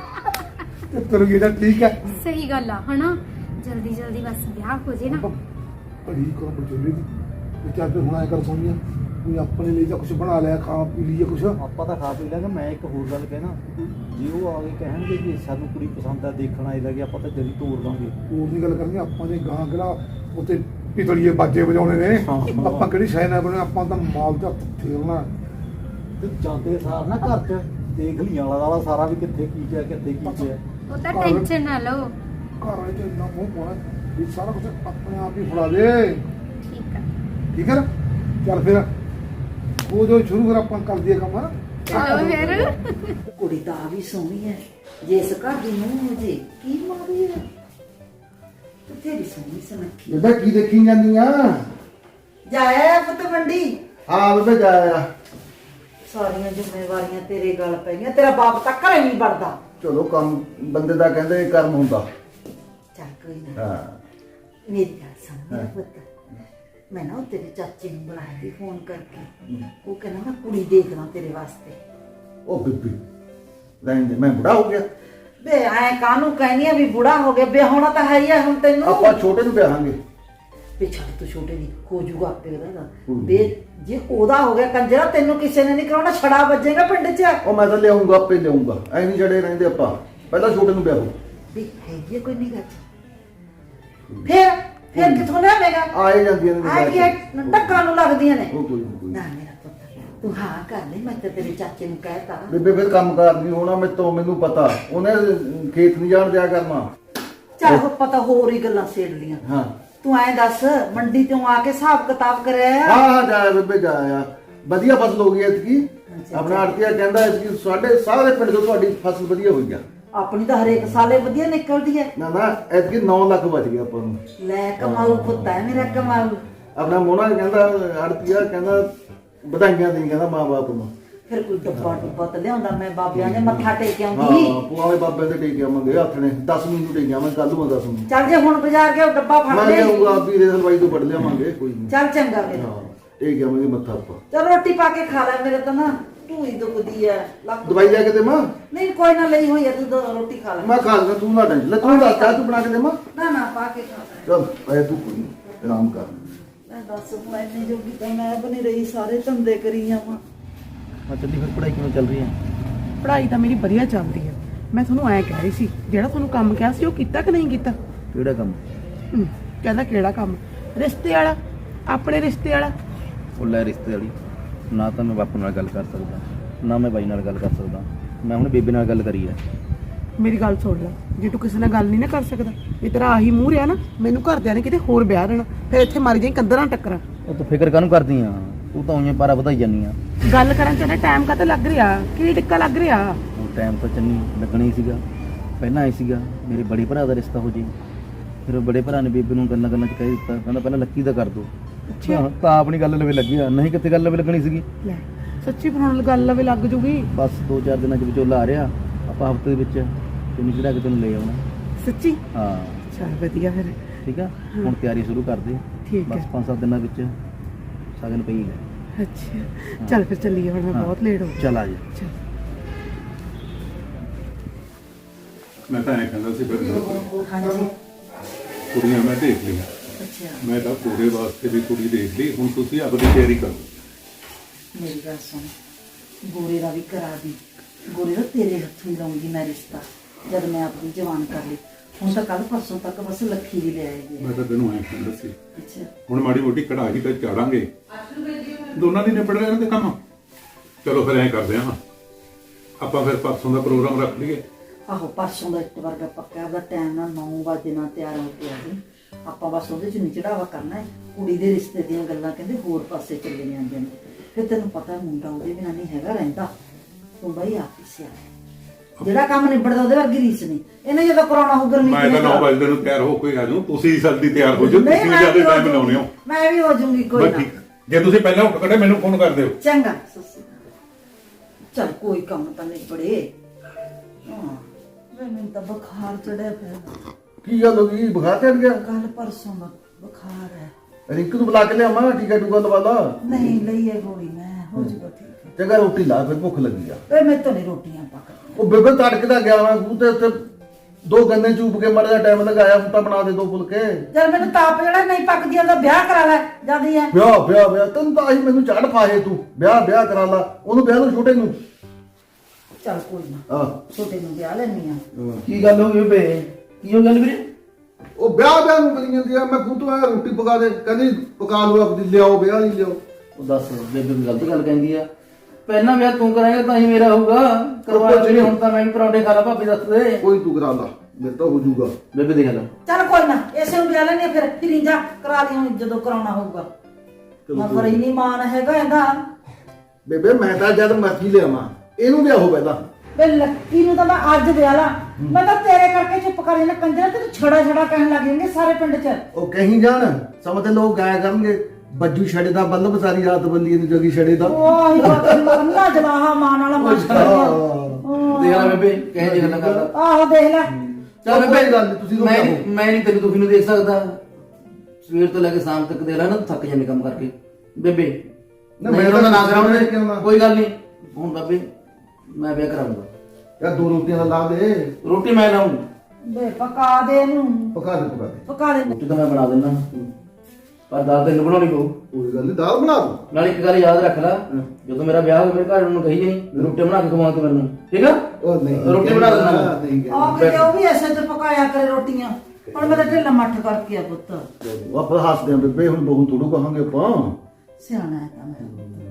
Speaker 4: ਤੇ ਤੁਰ ਗਈ ਤਾਂ ਠੀਕ ਹੈ।
Speaker 5: ਸਹੀ ਗੱਲ ਆ ਹਨਾ, ਜਲਦੀ ਜਲਦੀ ਬਸ ਵਿਆਹ ਹੋ ਜੇ ਨਾ।
Speaker 4: ਬੜੀ ਕਰੋ ਬਚੋਲੇ ਦੀ ਤੇ ਚੱਲ ਫਿਰ ਹੁਣ ਆਇਆ ਕਰ ਸੋਨੀਆ ਕੋਈ ਆਪਣੇ ਲਈ ਤਾਂ ਕੁਝ ਬਣਾ ਲਿਆ, ਖਾ ਪੀ ਲਈਏ ਕੁਛ।
Speaker 2: ਆਪਾਂ ਤਾਂ ਖਾ ਪੀ ਲਾਂਗੇ। ਮੈਂ ਇੱਕ ਹੋਰ ਗੱਲ ਕਹਿਣਾ, ਜੇ ਉਹ ਆ ਕੇ ਕਹਿਣਗੇ ਕਿ ਸਾਨੂੰ ਕੁੜੀ ਪਸੰਦ ਆ ਦੇਖਣ ਆਏ ਲੱਗੇ ਆਪਾਂ ਤਾਂ ਜਦੀ ਤੋੜ ਦਾਂਗੇ।
Speaker 4: ਹੋਰ ਦੀ ਗੱਲ ਕਰਨੀ ਆਪਾਂ ਨੇ ਗਾਂ ਕਿਹੜਾ ਉੱਤੇ ਪਿਤਲੀਏ ਬਾਜੇ ਵਜਾਉਣੇ ਨੇ।
Speaker 2: ਹਾਂ।
Speaker 4: ਆਪਾਂ ਕਿਹੜੀ ਸ਼ੈ ਨਾ ਬਣੇ, ਆਪਾਂ ਤਾਂ ਮਾਲ ਦਾ ਫੇਰਨਾ।
Speaker 2: ਤੇ ਜਾਂਦੇ ਸਾਰ ਨਾ ਘਰ 'ਚ ਦੇਖ ਲਈਆਂ ਵਾਲਾ ਵਾਲਾ ਸਾਰਾ ਵੀ ਕਿੱਥੇ ਕੀ ਪਿਆ ਕਿੱਥੇ ਕੀ ਪਿਆ।
Speaker 5: ਉਹ ਤਾਂ ਟੈਨਸ਼ਨ ਨਾ ਲਓ।
Speaker 4: ਘਰ ਵਿੱਚ ਇੰਨਾ ਮੋਹ ਪਾਉਣਾ ਵੀ ਸਾਰਾ ਕੁਝ ਆਪਣੇ ਆਪ ਹੀ ਫੜਾ ਦੇ।
Speaker 5: ਠੀਕ ਆ
Speaker 4: ਠੀਕ ਹੈ ਨਾ? ਚੱਲ ਫਿਰ ਉਹ ਜੋ ਸ਼ੁਰੂ ਕਰ ਆਪਾਂ ਕਰ ਦਈਏ ਕੰਮ ਹੈ।
Speaker 5: ਚਲੋ ਫਿਰ।
Speaker 1: ਕੁੜੀ ਤਾਂ ਆ ਵੀ ਸੋਹਣੀ ਹੈ, ਜੇ ਇਸ ਘਰ ਦੀ ਨੂੰ ਹੋ ਜੇ ਕੀ ਮਾਰੀ ਹੈ। ਤੇਰੀ ਸੋਹਣੀ ਸੁਨੱਖੀ
Speaker 4: ਬੇਬੇ ਕੀ ਦੇਖੀ ਜਾਂਦੀਆਂ?
Speaker 1: ਜਾਇਆ ਪੁੱਤ ਮੰਡੀ।
Speaker 4: ਹਾਂ ਬੇਬੇ ਜਾਇਆ।
Speaker 1: ਸਾਰੀਆਂ ਜ਼ਿੰਮੇਵਾਰੀਆਂ ਤੇਰੇ ਗਲ ਪੈ ਗਈਆਂ, ਤੇਰਾ ਬਾਪ ਤਾਂ ਘਰੇ ਨਹੀਂ ਵੜਦਾ।
Speaker 7: ਚਲੋ ਕੰਮ ਬੰਦੇ ਦਾ ਕਹਿੰਦੇ ਕਰਮ ਹੁੰਦਾ।
Speaker 1: ਚੱਲ ਕੋਈ ਨਾ,
Speaker 7: ਹਾਂ
Speaker 1: ਮੇਰੀ ਗੱਲ ਸੁਣ ਮੇਰਾ ਪੁੱਤ। ਮੈਂ ਨਾ ਉਹ ਤੇਰੇ ਚਾਚੇ ਨੂੰ ਬੁਲਾਇਆ ਸੀ ਫੋਨ ਕਰਕੇ। ਉਹ ਕਹਿੰਦਾ ਮੈਂ ਕੁੜੀ ਦੇਖਦਾ ਤੇਰੇ ਵਾਸਤੇ।
Speaker 7: ਉਹ ਬੀਬੀ ਰਹਿਣ ਦੇ, ਮੈਂ ਬੁੜਾ ਹੋ ਗਿਆ।
Speaker 1: ਬੇ ਐ ਕਾਹਨੂੰ ਕਹਿੰਦੀ ਆ ਵੀ ਬੁੜਾ ਹੋ ਗਿਆ? ਵਿਆਹੁਣਾ ਤਾਂ ਹੈ ਹੀ ਆ ਹੁਣ ਤੈਨੂੰ।
Speaker 7: ਆਪਾਂ ਛੋਟੇ ਨੂੰ ਵਿਆਹਾਂਗੇ।
Speaker 1: ਪਿਛੜ ਤੂੰ ਛੋਟੇ ਦੀ ਹੋ ਜੂਗਾ ਆਪੇ ਉਹਦਾ।
Speaker 7: ਹੂੰ।
Speaker 1: ਬੇ ਜੇ ਉਹਦਾ ਹੋ ਗਿਆ ਕੰਜਰਾ, ਤੈਨੂੰ ਕਿਸੇ ਨੇ ਨਹੀਂ ਕਰਾਉਣਾ, ਛੜਾ ਵੱਜੇਗਾ ਪਿੰਡ 'ਚ।
Speaker 7: ਉਹ ਮੈਂ ਤਾਂ ਲਿਆਉਂਗਾ ਆਪੇ ਲਿਆਉਂਗਾ, ਐ ਨਹੀਂ ਜੜੇ ਰਹਿੰਦੇ ਆਪਾਂ। ਪਹਿਲਾਂ ਛੋਟੇ ਨੂੰ ਵਿਆਹੋ।
Speaker 1: ਵੀ ਹੈਗੀ ਆ ਕੋਈ ਨਿਗਾਹ 'ਚ। ਫਿਰ ਫਿਰ ਕਿੱਥੋਂ ਲਿਆਵੇਂਗਾ?
Speaker 7: ਆਏ ਜਾਂਦੀਆਂ ਨੇ
Speaker 1: ਆ ਕੇ ਟੱਕਾਂ ਨੂੰ ਲੱਗਦੀਆਂ ਨੇ।
Speaker 7: ਉਹ ਕੋਈ ਨੀ, ਕੋਈ
Speaker 1: ਨਾ
Speaker 7: ਨੀ।
Speaker 1: ਮੇਰਾ ਪੁੱਤ ਤੂੰ ਹਾਂ ਕਰ ਲੈ, ਮੈਂ ਤਾਂ ਤੇਰੇ ਚਾਚੇ ਨੂੰ ਕਹਿਤਾ।
Speaker 7: ਬੇਬੇ ਫਿਰ ਕੰਮ ਕਾਰ ਨਹੀਂ ਹੋਣਾ ਮੇਰੇ ਤੋਂ, ਮੈਨੂੰ ਪਤਾ। ਉਹਨੇ ਖੇਤ ਨਹੀਂ ਜਾਣ ਦਿਆ ਕਰਨਾ।
Speaker 1: ਚੱਲ ਹੋ ਪਤਾ ਹੋਰ ਹੀ ਗੱਲਾਂ ਛੇੜ ਲੀਆਂ।
Speaker 7: ਹਾਂ
Speaker 1: ਤੂੰ ਐਂ ਦੱਸ ਮੰਡੀ ਤੋਂ ਆ ਕੇ ਹਿਸਾਬ ਕਿਤਾਬ ਕਰਿਆ?
Speaker 7: ਹਾਂ ਹਾਂ ਜਾਇਆ ਬੇਬੇ ਜਾਇਆ। ਵਧੀਆ ਫਸਲ ਹੋ ਗਈ ਐਤਕੀ। ਆਪਣਾ ਆੜਤੀਆ ਕਹਿੰਦਾ ਐਤਕੀ ਸਾਡੇ ਸਾਰੇ ਪਿੰਡ ਤੋਂ ਤੁਹਾਡੀ ਫਸਲ ਵਧੀਆ ਹੋਈ ਆ।
Speaker 1: ਆਪਣੀ ਤਾਂ ਹਰੇਕ ਸਾਲੇ ਵਧੀਆ ਨਿਕਲਦੀ ਹੈ।
Speaker 7: ਨਾ ਨਾ ਐਤਕੀ ਨੌ ਲੱਖ ਬਚ ਗਿਆ ਆਪਾਂ ਨੂੰ।
Speaker 1: ਲੈ ਕਮਾਊ ਪੁੱਤ ਹੈ ਮੇਰਾ, ਕਮਾਊ।
Speaker 7: ਆਪਣਾ ਮੋਨਾ ਕਹਿੰਦਾ ਆੜਤੀਆ ਕਹਿੰਦਾ ਵਧਾਈਆਂ ਦੇਈ ਕਹਿੰਦਾ ਮਾਂ ਬਾਪ ਨੂੰ।
Speaker 1: ਫਿਰ ਕੋਈ ਡੱਬਾ ਡੁੱਬਾ ਤਾਂ ਲਿਆਉਂਦਾ, ਮੈਂ ਬਾਬਿਆਂ ਦੇ ਮੱਥਾ ਟੇਕ
Speaker 7: ਹਾਂ
Speaker 1: ਆਉਂਦੀ।
Speaker 7: ਪੁਆਲੇ ਬਾਬੇ ਦੇ ਟੇਕ ਆਵਾਂਗੇ ਹੱਥ ਨੇ। ਦਸਵੀਂ ਨੂੰ ਟੇਕ ਆਵਾਂ ਕੱਲ ਨੂੰ ਦਸਵੀਂ।
Speaker 1: ਚੱਲ ਜੇ ਹੁਣ ਬਾਜ਼ਾਰ ਗਿਆ ਡੱਬਾ ਫੜ
Speaker 7: ਮੈਂ
Speaker 1: ਲੈ।
Speaker 7: ਜਾਊਂਗਾ ਵੀਰੇ ਹਲਵਾਈ ਤੋਂ ਫੜ ਲਿਆਵਾਂਗੇ ਕੋਈ ਨਹੀਂ।
Speaker 1: ਚੱਲ ਚੰਗਾ ਮੇਰਾ।
Speaker 7: ਹਾਂ ਟੇਕ ਆਵਾਂਗੇ ਮੱਥਾ ਆਪਾਂ।
Speaker 1: ਚੱਲ ਰੋਟੀ ਪਾ ਕੇ ਖਾ ਲੈ, ਮੇਰੇ ਤਾਂ ਨਾ ਢੂਈ ਦੁਖਦੀ ਐ। ਲੱਕ
Speaker 7: ਦਵਾਈ ਲੈ ਕੇ ਦੇਵਾਂ?
Speaker 1: ਨਹੀਂ ਕੋਈ ਨਾ, ਲਈ ਹੋਈ ਐ, ਤੂੰ ਦੋ ਰੋਟੀ ਖਾ ਲੈ।
Speaker 7: ਮੈਂ ਖਾ ਲਵਾਂ, ਤੂੰ ਨਾ ਟੈਨਸ਼ਨ ਲੈ। ਤੂੰ ਦੱਸ ਚਾਹ ਤੂੰ ਬਣਾ ਕੇ ਦੇਵਾਂ?
Speaker 1: ਨਾ ਨਾ ਪਾ ਕੇ ਖਾ ਲੈ।
Speaker 7: ਚੱਲ ਐ ਤੂੰ ਕੋਈ ਨੀ, ਆਰਾਮ ਕਰ।
Speaker 1: ਮੈਂ ਦੱਸ ਹੁਣ ਇੰਨੀ ਜੋਗੀ ਤਾਂ ਮੈਂ ਬਣੀ ਰਹੀ, ਸਾਰੇ ਧੰਦੇ ਕਰੀ ਜਾਵਾਂ।
Speaker 2: ਹਾਂ ਚੱਲੀ ਫਿਰ ਪੜ੍ਹਾਈ ਕਿਵੇਂ ਚੱਲ ਰਹੀ ਹੈ?
Speaker 8: ਪੜ੍ਹਾਈ ਤਾਂ ਮੇਰੀ ਵਧੀਆ ਚੱਲਦੀ ਹੈ। ਮੈਂ ਤੁਹਾਨੂੰ ਐਂ ਕਹਿ ਰਹੀ ਸੀ, ਜਿਹੜਾ ਤੁਹਾਨੂੰ ਕੰਮ ਕਿਹਾ ਸੀ ਉਹ ਕੀਤਾ ਕਿ ਨਹੀਂ ਕੀਤਾ?
Speaker 2: ਕਿਹੜਾ ਕੰਮ?
Speaker 8: ਹਮ, ਕਹਿੰਦਾ ਕਿਹੜਾ ਕੰਮ? ਰਿਸ਼ਤੇ ਵਾਲਾ, ਆਪਣੇ ਰਿਸ਼ਤੇ ਵਾਲਾ।
Speaker 2: ਉਹ ਲੈ ਰਿਸ਼ਤੇ ਵਾਲੀ, ਨਾ ਤਾਂ ਮੈਂ ਬਾਪੂ ਨਾਲ ਗੱਲ ਕਰ ਸਕਦਾ, ਨਾ ਮੈਂ ਬਾਈ ਨਾਲ ਗੱਲ ਕਰ ਸਕਦਾ। ਮੈਂ ਹੁਣ ਬੇਬੇ ਨਾਲ ਗੱਲ ਕਰੀ ਹੈ।
Speaker 8: ਮੇਰੀ ਗੱਲ ਸੁਣ ਲੈ, ਜੇ ਤੂੰ ਕਿਸੇ ਨਾਲ ਗੱਲ ਨਹੀਂ ਨਾ ਕਰ ਸਕਦਾ, ਇਹ ਤੇਰਾ ਆਹੀ ਮੂੰਹ ਰਿਹਾ ਨਾ, ਮੈਨੂੰ ਘਰਦਿਆਂ ਨੇ ਕਿਤੇ ਹੋਰ ਵਿਆਹ ਦੇਣਾ, ਫਿਰ ਇੱਥੇ ਮਰ ਜਾਈਂ ਕੰਧਰਾਂ ਟੱਕਰਾਂ।
Speaker 2: ਉਹ ਤੂੰ ਫਿਕਰ ਕਾਹਨੂੰ ਕਰਦੀ ਆ? ਤੂੰ ਤਾਂ ਉਈਆਂ ਪਾਰਾ ਵਧਾਈ ਜਾਂਦੀ ਆ।
Speaker 8: ਗੱਲ ਕਰਨ ਚ ਟਾਈਮ ਕਾਹਤੇ ਲੱਗ ਰਿਹਾ? ਕੀ ਟਿੱਕਾ ਲੱਗ ਰਿਹਾ?
Speaker 2: ਉਹ ਟਾਈਮ ਤਾਂ ਚੰਨੀ ਲੱਗਣਾ ਹੀ ਸੀਗਾ। ਪਹਿਲਾਂ ਆਈ ਸੀਗਾ ਮੇਰੇ ਬੜੇ ਭਰਾ ਦਾ ਰਿਸ਼ਤਾ ਹੋ ਜੇ, ਫਿਰ ਉਹ ਬੜੇ ਭਰਾ ਨੇ ਬੇਬੇ ਨੂੰ ਗੱਲਾਂ ਗੱਲਾਂ ਚ ਕਹਿ ਦਿੱਤਾ, ਕਹਿੰਦਾ ਪਹਿਲਾਂ ਲੱਕੀ ਦਾ ਕਰ ਦੋ। ਅੱਛਾ, ਤਾਂ ਆਪਣੀ ਗੱਲ ਲਵੇ ਲੱਗੀ ਆ, ਨਹੀਂ ਕਿਤੇ ਗੱਲ ਲਵੇ ਲੱਗਣੀ ਸੀਗੀ।
Speaker 8: ਲੈ ਸੱਚੀ ਫਿਰ ਹੁਣ ਗੱਲ ਲਵੇ ਲੱਗ ਜੂਗੀ।
Speaker 2: ਬਸ ਦੋ ਚਾਰ ਦਿਨਾਂ ਚ ਵਿਚੋਲਾ ਆ ਰਿਹਾ, ਆਪਾਂ ਹਫ਼ਤੇ ਦੇ ਵਿੱਚ ਤੈਨੂੰ ਜਿਹੜਾ ਕਿ ਤੈਨੂੰ ਲੈ ਆਉਣਾ।
Speaker 8: ਸੱਚੀ?
Speaker 2: ਹਾਂ
Speaker 8: ਚੱਲ ਵਧੀਆ ਫਿਰ।
Speaker 2: ਠੀਕ ਆ, ਹੁਣ ਤਿਆਰੀ ਸ਼ੁਰੂ ਕਰ ਦੇ।
Speaker 8: ਠੀਕ
Speaker 2: ਬਸ
Speaker 8: ਹੈ।
Speaker 2: ਪੰਜ ਸੱਤ ਦਿਨਾਂ ਵਿੱਚ ਸ਼ਗਨ ਪਈ ਹੈ।
Speaker 8: ਅੱਛਾ ਚੱਲ ਫਿਰ ਚੱਲੀਏ, ਹੁਣ ਮੈਂ
Speaker 2: ਹਾਂ।
Speaker 8: ਬਹੁਤ ਲੇਟ ਹੋ ਗਈ।
Speaker 2: ਚੱਲ ਆ ਜਾ।
Speaker 8: ਚੱਲ।
Speaker 3: ਮੈਂ ਤਾਂ ਐਂ ਕਹਿੰਦਾ ਸੀ ਫਿਰ
Speaker 1: ਹਾਂਜੀ
Speaker 3: ਕੁੜੀਆਂ ਮੈਂ ਦੇਖ ਲਈਆਂ,
Speaker 1: ਅੱਛਾ
Speaker 3: ਮੈਂ ਤਾਂ ਪੂਰੇ ਵਾਸਤੇ ਵੀ ਕੁੜੀ ਦੇਖ ਲਈ। ਹੁਣ ਤੁਸੀਂ ਆਪਣੀ ਤਿਆਰੀ ਕਰੋ।
Speaker 1: ਮੇਰੀ ਗੱਲ ਸੁਣ, ਗੋਰੇ ਦਾ ਵੀ ਕਰਾ ਦੀ। ਗੋਰੇ ਦਾ ਤੇਰੇ ਹੱਥੋਂ ਹੀ ਲਾਉਂਗੀ ਮੈਂ ਰਿਸ਼ਤਾ, ਜਦ ਮੈਂ ਆਪਣੀ ਜਵਾਨ ਕਰ ਲਈ। ਹੁਣ ਤਾਂ ਕੱਲ ਪਰਸੋਂ ਤੱਕ ਬਸ ਲੱਖੀ ਵੀ ਲੈ ਆਏਗੀ।
Speaker 3: ਮੈਂ ਤਾਂ ਤੈਨੂੰ ਐਂ ਕਹਿੰਦਾ ਸੀ,
Speaker 1: ਅੱਛਾ
Speaker 3: ਹੁਣ ਮਾੜੀ ਮੋਟੀ ਕਢਾਈ ਤਾਂ ਚਾੜਾਂਗੇ, ਦੋਨਾਂ ਦੀ ਨਿਪੜ ਰਹੇ ਨੇ ਤੇ ਕੰਮ। ਚਲੋ ਫਿਰ ਐਂ ਕਰਦੇ ਹਾਂ, ਆਪਾਂ ਫਿਰ ਪਰਸੋਂ ਦਾ ਪ੍ਰੋਗਰਾਮ ਰੱਖ ਲਈਏ।
Speaker 1: ਆਹੋ ਪਰਸੋਂ ਦਾ ਇੱਕ ਵਰਗਾ ਪੱਕਾ, ਉਹਦਾ ਟਾਈਮ ਨਾਲ ਨੌ ਵਜੇ ਨਾਲ ਤਿਆਰ ਹੋ ਕੇ ਆ ਜੀ। ਆਪਾਂ ਬਸ ਉਹਦੇ ਚ ਨੀ ਚੜਾਵਾ ਕਰਨਾ ਹੈ। ਕੁੜੀ ਦੇ ਰਿਸ਼ਤੇ ਦੀਆਂ ਗੱਲਾਂ ਕਹਿੰਦੇ ਹੋਰ ਪਾਸੇ ਚੱਲੇ ਜਾਂਦੇ ਨੇ। ਫਿਰ ਤੈਨੂੰ ਪਤਾ ਮੁੰਡਾ ਉਹਦੇ ਬਿਨਾਂ ਨਹੀਂ ਹੈਗਾ ਰਹਿੰਦਾ। ਤੂੰ ਬਈ ਆਪ ਹੀ ਸਿਆਣਾ, ਜਿਹੜਾ ਕੰਮ ਨਿਬੜਦਾ ਉਹਦੇ ਵਰਗੀ ਰੀਸ ਨਹੀਂ। ਇਹਨੇ ਜਦੋਂ ਕਰਾਉਣਾ ਹੋ ਗਰਮੀ
Speaker 3: ਮੈਂ ਤਾਂ ਨੌ ਵਜੇ ਨੂੰ ਤਿਆਰ ਹੋ ਕੇ ਆ ਜਾਊਂ, ਤੁਸੀਂ ਜਲਦੀ ਤਿਆਰ ਹੋ ਜਾਓ। ਤੁਸੀਂ ਜਿਆਦਾ ਟਾਈਮ ਲਾਉਨੇ ਹੋ।
Speaker 1: ਮੈਂ ਵੀ ਹੋ ਜਾਊਂਗੀ ਕੋਈ
Speaker 3: ਬਸ
Speaker 1: ਨਾ।
Speaker 3: ਠੀਕ, ਜੇ ਤੁਸੀਂ ਪਹਿਲਾਂ ਉੱਠ ਖੜੇ ਮੈਨੂੰ ਫੋਨ ਕਰ ਦਿਓ।
Speaker 1: ਚੰਗਾ ਸੱਸੀ। ਚੱਲ ਕੋਈ ਕੰਮ ਤਾਂ ਨਿਬੜੇ। ਹਾਂ ਮੈਨੂੰ ਤਾਂ ਬੁਖਾਰ ਚੜਿਆ ਪਿਆ।
Speaker 7: ਕੀ ਗੱਲ ਹੋ ਗਈ? ਬੁਖਾਰ ਚੜ ਗਿਆ?
Speaker 1: ਕੱਲ ਪਰਸੋਂ ਦਾ ਬੁਖਾਰ ਹੈ।
Speaker 7: ਰਿੰਕ ਨੂੰ ਬੁਲਾ ਕੇ ਲਿਆਵਾਂ, ਟੀਕਾ ਟੂਕਾ ਲਵਾ ਲਾ।
Speaker 1: ਨਹੀਂ ਲਈ ਹੈ ਗੋਲੀ ਮੈਂ, ਹੋ ਜਾਊਗਾ ਠੀਕ ਹੈ।
Speaker 7: ਚੰਗਾ ਰੋਟੀ ਲਾ, ਫਿਰ ਭੁੱਖ ਲੱਗੀ ਆ।
Speaker 1: ਵੇ ਮੇਰੇ ਤੋਂ ਨਹੀਂ ਰੋਟੀਆਂ ਪੱਕਦੀਆਂ।
Speaker 7: ਉਹ ਬੇਬੇ ਤੜਕਦਾ ਗਿਆ ਮੈਂ ਖੂਹ ਤੇ ਉੱਤੇ ਦੋ ਗੰਨੇ ਚੂਪ ਕੇ ਮੜ ਜਾ ਟਾਈਮ ਲਗਾਇਆ, ਫੁੱਟਾ ਬਣਾ ਦੇ ਦੋ ਫੁਲਕੇ।
Speaker 1: ਜਦ ਮੈਨੂੰ ਤਾਪ ਜਿਹੜਾ ਨਹੀਂ ਪੱਕਦੀ ਉਹਦਾ ਵਿਆਹ ਕਰਾ ਲੈ ਜਾਂਦੀ ਹੈ।
Speaker 7: ਵਿਆਹ ਵਿਆਹ ਵਿਆਹ ਤੈਨੂੰ ਤਾਂ ਆਹੀ ਮੈਨੂੰ ਚੜ ਪਾਏ ਤੂੰ। ਵਿਆਹ ਵਿਆਹ ਕਰਾ ਲਾ ਉਹਨੂੰ, ਵਿਆਹ ਨੂੰ ਛੋਟੇ ਨੂੰ।
Speaker 1: ਚੱਲ ਕੋਈ ਨਾ,
Speaker 7: ਆਹ
Speaker 1: ਛੋਟੇ ਨੂੰ ਵਿਆਹ ਲੈਣੀ ਆ।
Speaker 2: ਕੀ ਗੱਲ ਹੋ ਗਈ ਬੇ? ਕੀ ਹੋ ਗੱਲ ਵੀਰੇ?
Speaker 7: ਉਹ ਵਿਆਹ ਵਿਆਹ ਨੂੰ ਕਰੀ ਜਾਂਦੀ ਆ। ਮੈਂ ਖੂਹ ਤੋਂ ਆਇਆ, ਰੋਟੀ ਪਕਾ ਦੇ, ਕਹਿੰਦੀ ਪਕਾ ਲਓ ਆਪਦੀ, ਲਿਆਓ ਵਿਆਹ ਨਹੀਂ ਲਿਆਓ।
Speaker 2: ਉਹ ਦੱਸ ਬੇਬੇ ਵੀ ਗਲਤ ਗੱਲ ਕਹਿੰਦੀ ਆ। ਪਹਿਲਾਂ ਵਿਆਹ ਤੂੰ ਕਰਾਏਗਾ ਤਾਂ ਹੀ ਮੇਰਾ ਹੋਊਗਾ। ਕਰਵਾ ਚੜੀ ਹੁਣ ਤਾਂ ਮੈਂ ਵੀ ਪਰੌਂਠੇ ਖਾ ਲਾ। ਭਾਬੀ ਦੱਸ ਦੇ।
Speaker 7: ਕੋਈ ਤੂੰ ਕਰਾ ਲਾ, ਮੇਰੇ ਤਾਂ ਹੋ ਜਾਊਗਾ।
Speaker 2: ਬੇਬੇ ਦੇਖ ਲੈ।
Speaker 1: ਚੱਲ ਕੋਈ ਨਾ, ਇਸੇ ਨੂੰ ਵਿਆਹ ਲੈਣੀ ਫਿਰ ਫਿਰ ਜਾ ਕਰਾ ਲਈ ਹੁਣ ਜਦੋਂ ਕਰਾਉਣਾ ਹੋਊਗਾ। ਮੈਂ ਪਰ ਨਹੀਂ ਮਾਨ ਹੈਗਾ ਇਹਦਾ।
Speaker 7: ਬੇਬੇ ਮੈਂ ਤਾਂ ਜਦ ਮਰਜ਼ੀ ਲਿਆਵਾਂ, ਇਹਨੂੰ ਵਿਆਹੋ ਪਹਿਲਾਂ।
Speaker 1: ਵੇ ਲੱਕੀ ਨੂੰ ਤਾਂ ਮੈਂ ਅੱਜ ਵਿਆਹ ਲਾ। ਮੈਂ ਤਾਂ ਤੇਰੇ ਕਰਕੇ ਚੁੱਪ ਕਰ ਜਾਣਾ। ਕੰਜਰਾ ਤੇ ਛੜਾ ਛੜਾ ਕਹਿਣ ਲੱਗ ਜਾਣਗੇ ਸਾਰੇ ਪਿੰਡ 'ਚ।
Speaker 7: ਉਹ ਕਹੀਂ ਜਾਣ, ਸਮਝ ਤੇ ਲੋਕ ਗਾਇਆ ਕਰਨਗੇ, ਬੱਜੂ ਛੜੇ ਦਾ ਬੱਲਬ ਸਾਰੀ ਰਾਤ ਬੰਦੀ ਨੂੰ ਜਗੀ ਛੜੇ ਦਾ।
Speaker 1: ਵਾਹ ਕੰਨਾ ਜਵਾਹਾ ਮਾਨ ਵਾਲਾ ਮਨ ਕਰ
Speaker 2: ਦੇਖ ਲੈ ਬੇਬੇ ਕਹੇ ਜੀ ਗੱਲਾਂ ਕਰਦਾ।
Speaker 1: ਆਹੋ ਦੇਖ ਲੈ।
Speaker 2: ਚੱਲ
Speaker 7: ਕੋਈ
Speaker 2: ਬੇਬੇ
Speaker 7: ਗੱਲ ਨੀ, ਤੁਸੀਂ
Speaker 2: ਮੈਂ
Speaker 7: ਲੋਕ
Speaker 2: ਨੀ- ਮੈਂ ਨਹੀਂ ਤੈਨੂੰ ਦੁਖੀ ਨੂੰ ਦੇਖ ਸਕਦਾ। ਸਵੇਰ ਤੋਂ ਲੈ ਕੇ ਸ਼ਾਮ ਤੱਕ ਦੇ ਲੈ ਨਾ, ਥੱਕ ਜਾਂਦੇ ਕੰਮ ਕਰਕੇ। ਬੇਬੇ
Speaker 7: ਨਾ,
Speaker 2: ਨਹੀਂ
Speaker 7: ਮੈਂ
Speaker 2: ਉਹਨਾਂ
Speaker 7: ਤਾਂ
Speaker 2: ਨਾ ਕਰਾਉਂਦੇ
Speaker 7: ਕਿਉਂ ਨਾ?
Speaker 2: ਕੋਈ ਗੱਲ ਨਹੀਂ। ਹੁਣ ਬੇਬੇ ਮੈਂ ਵਿਆਹ ਕਰਾਉਂਗਾ।
Speaker 7: ਯਾ ਦੋ ਰੋਟੀਆਂ ਦਾ ਲਾ ਦੇ।
Speaker 2: ਰੋਟੀ ਮੈਂ ਲਾਉਂ।
Speaker 1: ਬੇ ਪਕਾ ਦੇ ਇਹਨੂੰ,
Speaker 7: ਪਕਾ ਦੇ ਪਕਾ ਦੇ।
Speaker 1: ਪਕਾ ਦੇ।
Speaker 2: ਰੋਟੀ ਤਾਂ ਮੈਂ ਬਣਾ ਦਿੰਦਾ, ਪਰ ਦਾਲ ਤੈਨੂੰ ਬਣਾਉਣੀ ਪਊ।
Speaker 7: ਕੋਈ ਗੱਲ ਨਹੀਂ, ਦਾਲ ਬਣਾ ਦੂੰ।
Speaker 2: ਨਾਲ ਇੱਕ ਗੱਲ ਯਾਦ ਰੱਖ ਲੈ, ਜਦੋਂ ਮੇਰਾ ਵਿਆਹ ਹੋ ਮੇਰੇ ਘਰ ਨੂੰ ਕਹੀ ਨਹੀਂ ਰੋਟੀ ਬਣਾ ਕੇ ਖਵਾਉਂ ਤੂੰ ਮੈਨੂੰ, ਠੀਕ ਆ?
Speaker 7: ਉਹ ਨਹੀਂ
Speaker 2: ਰੋਟੀ ਬਣਾ ਦਿੰਦਾ ਮੈਂ।
Speaker 7: ਨਹੀਂ ਕਹਿੰਦਾ।
Speaker 1: ਆ ਕਿਤੇ ਉਹ ਵੀ ਐਸੇ ਤੇ ਪਕਾਇਆ ਕਰੇ ਰੋਟੀਆਂ। ਹੁਣ ਮੈਂ ਤਾਂ ਢਿੱਲਾ ਮੱਠ ਕਰਕੇ ਆ ਪੁੱਤ।
Speaker 7: ਉਹ ਆਪਾਂ ਹੱਸਦੇ ਆਂ ਬੇਬੇ, ਹੁਣ ਬਹੂ ਥੋੜੂ ਕਹਾਂਗੇ ਆਪਾਂ।
Speaker 1: ਸਿਆਣਾ ਹੈ ਤਾਂ ਮੈਂ।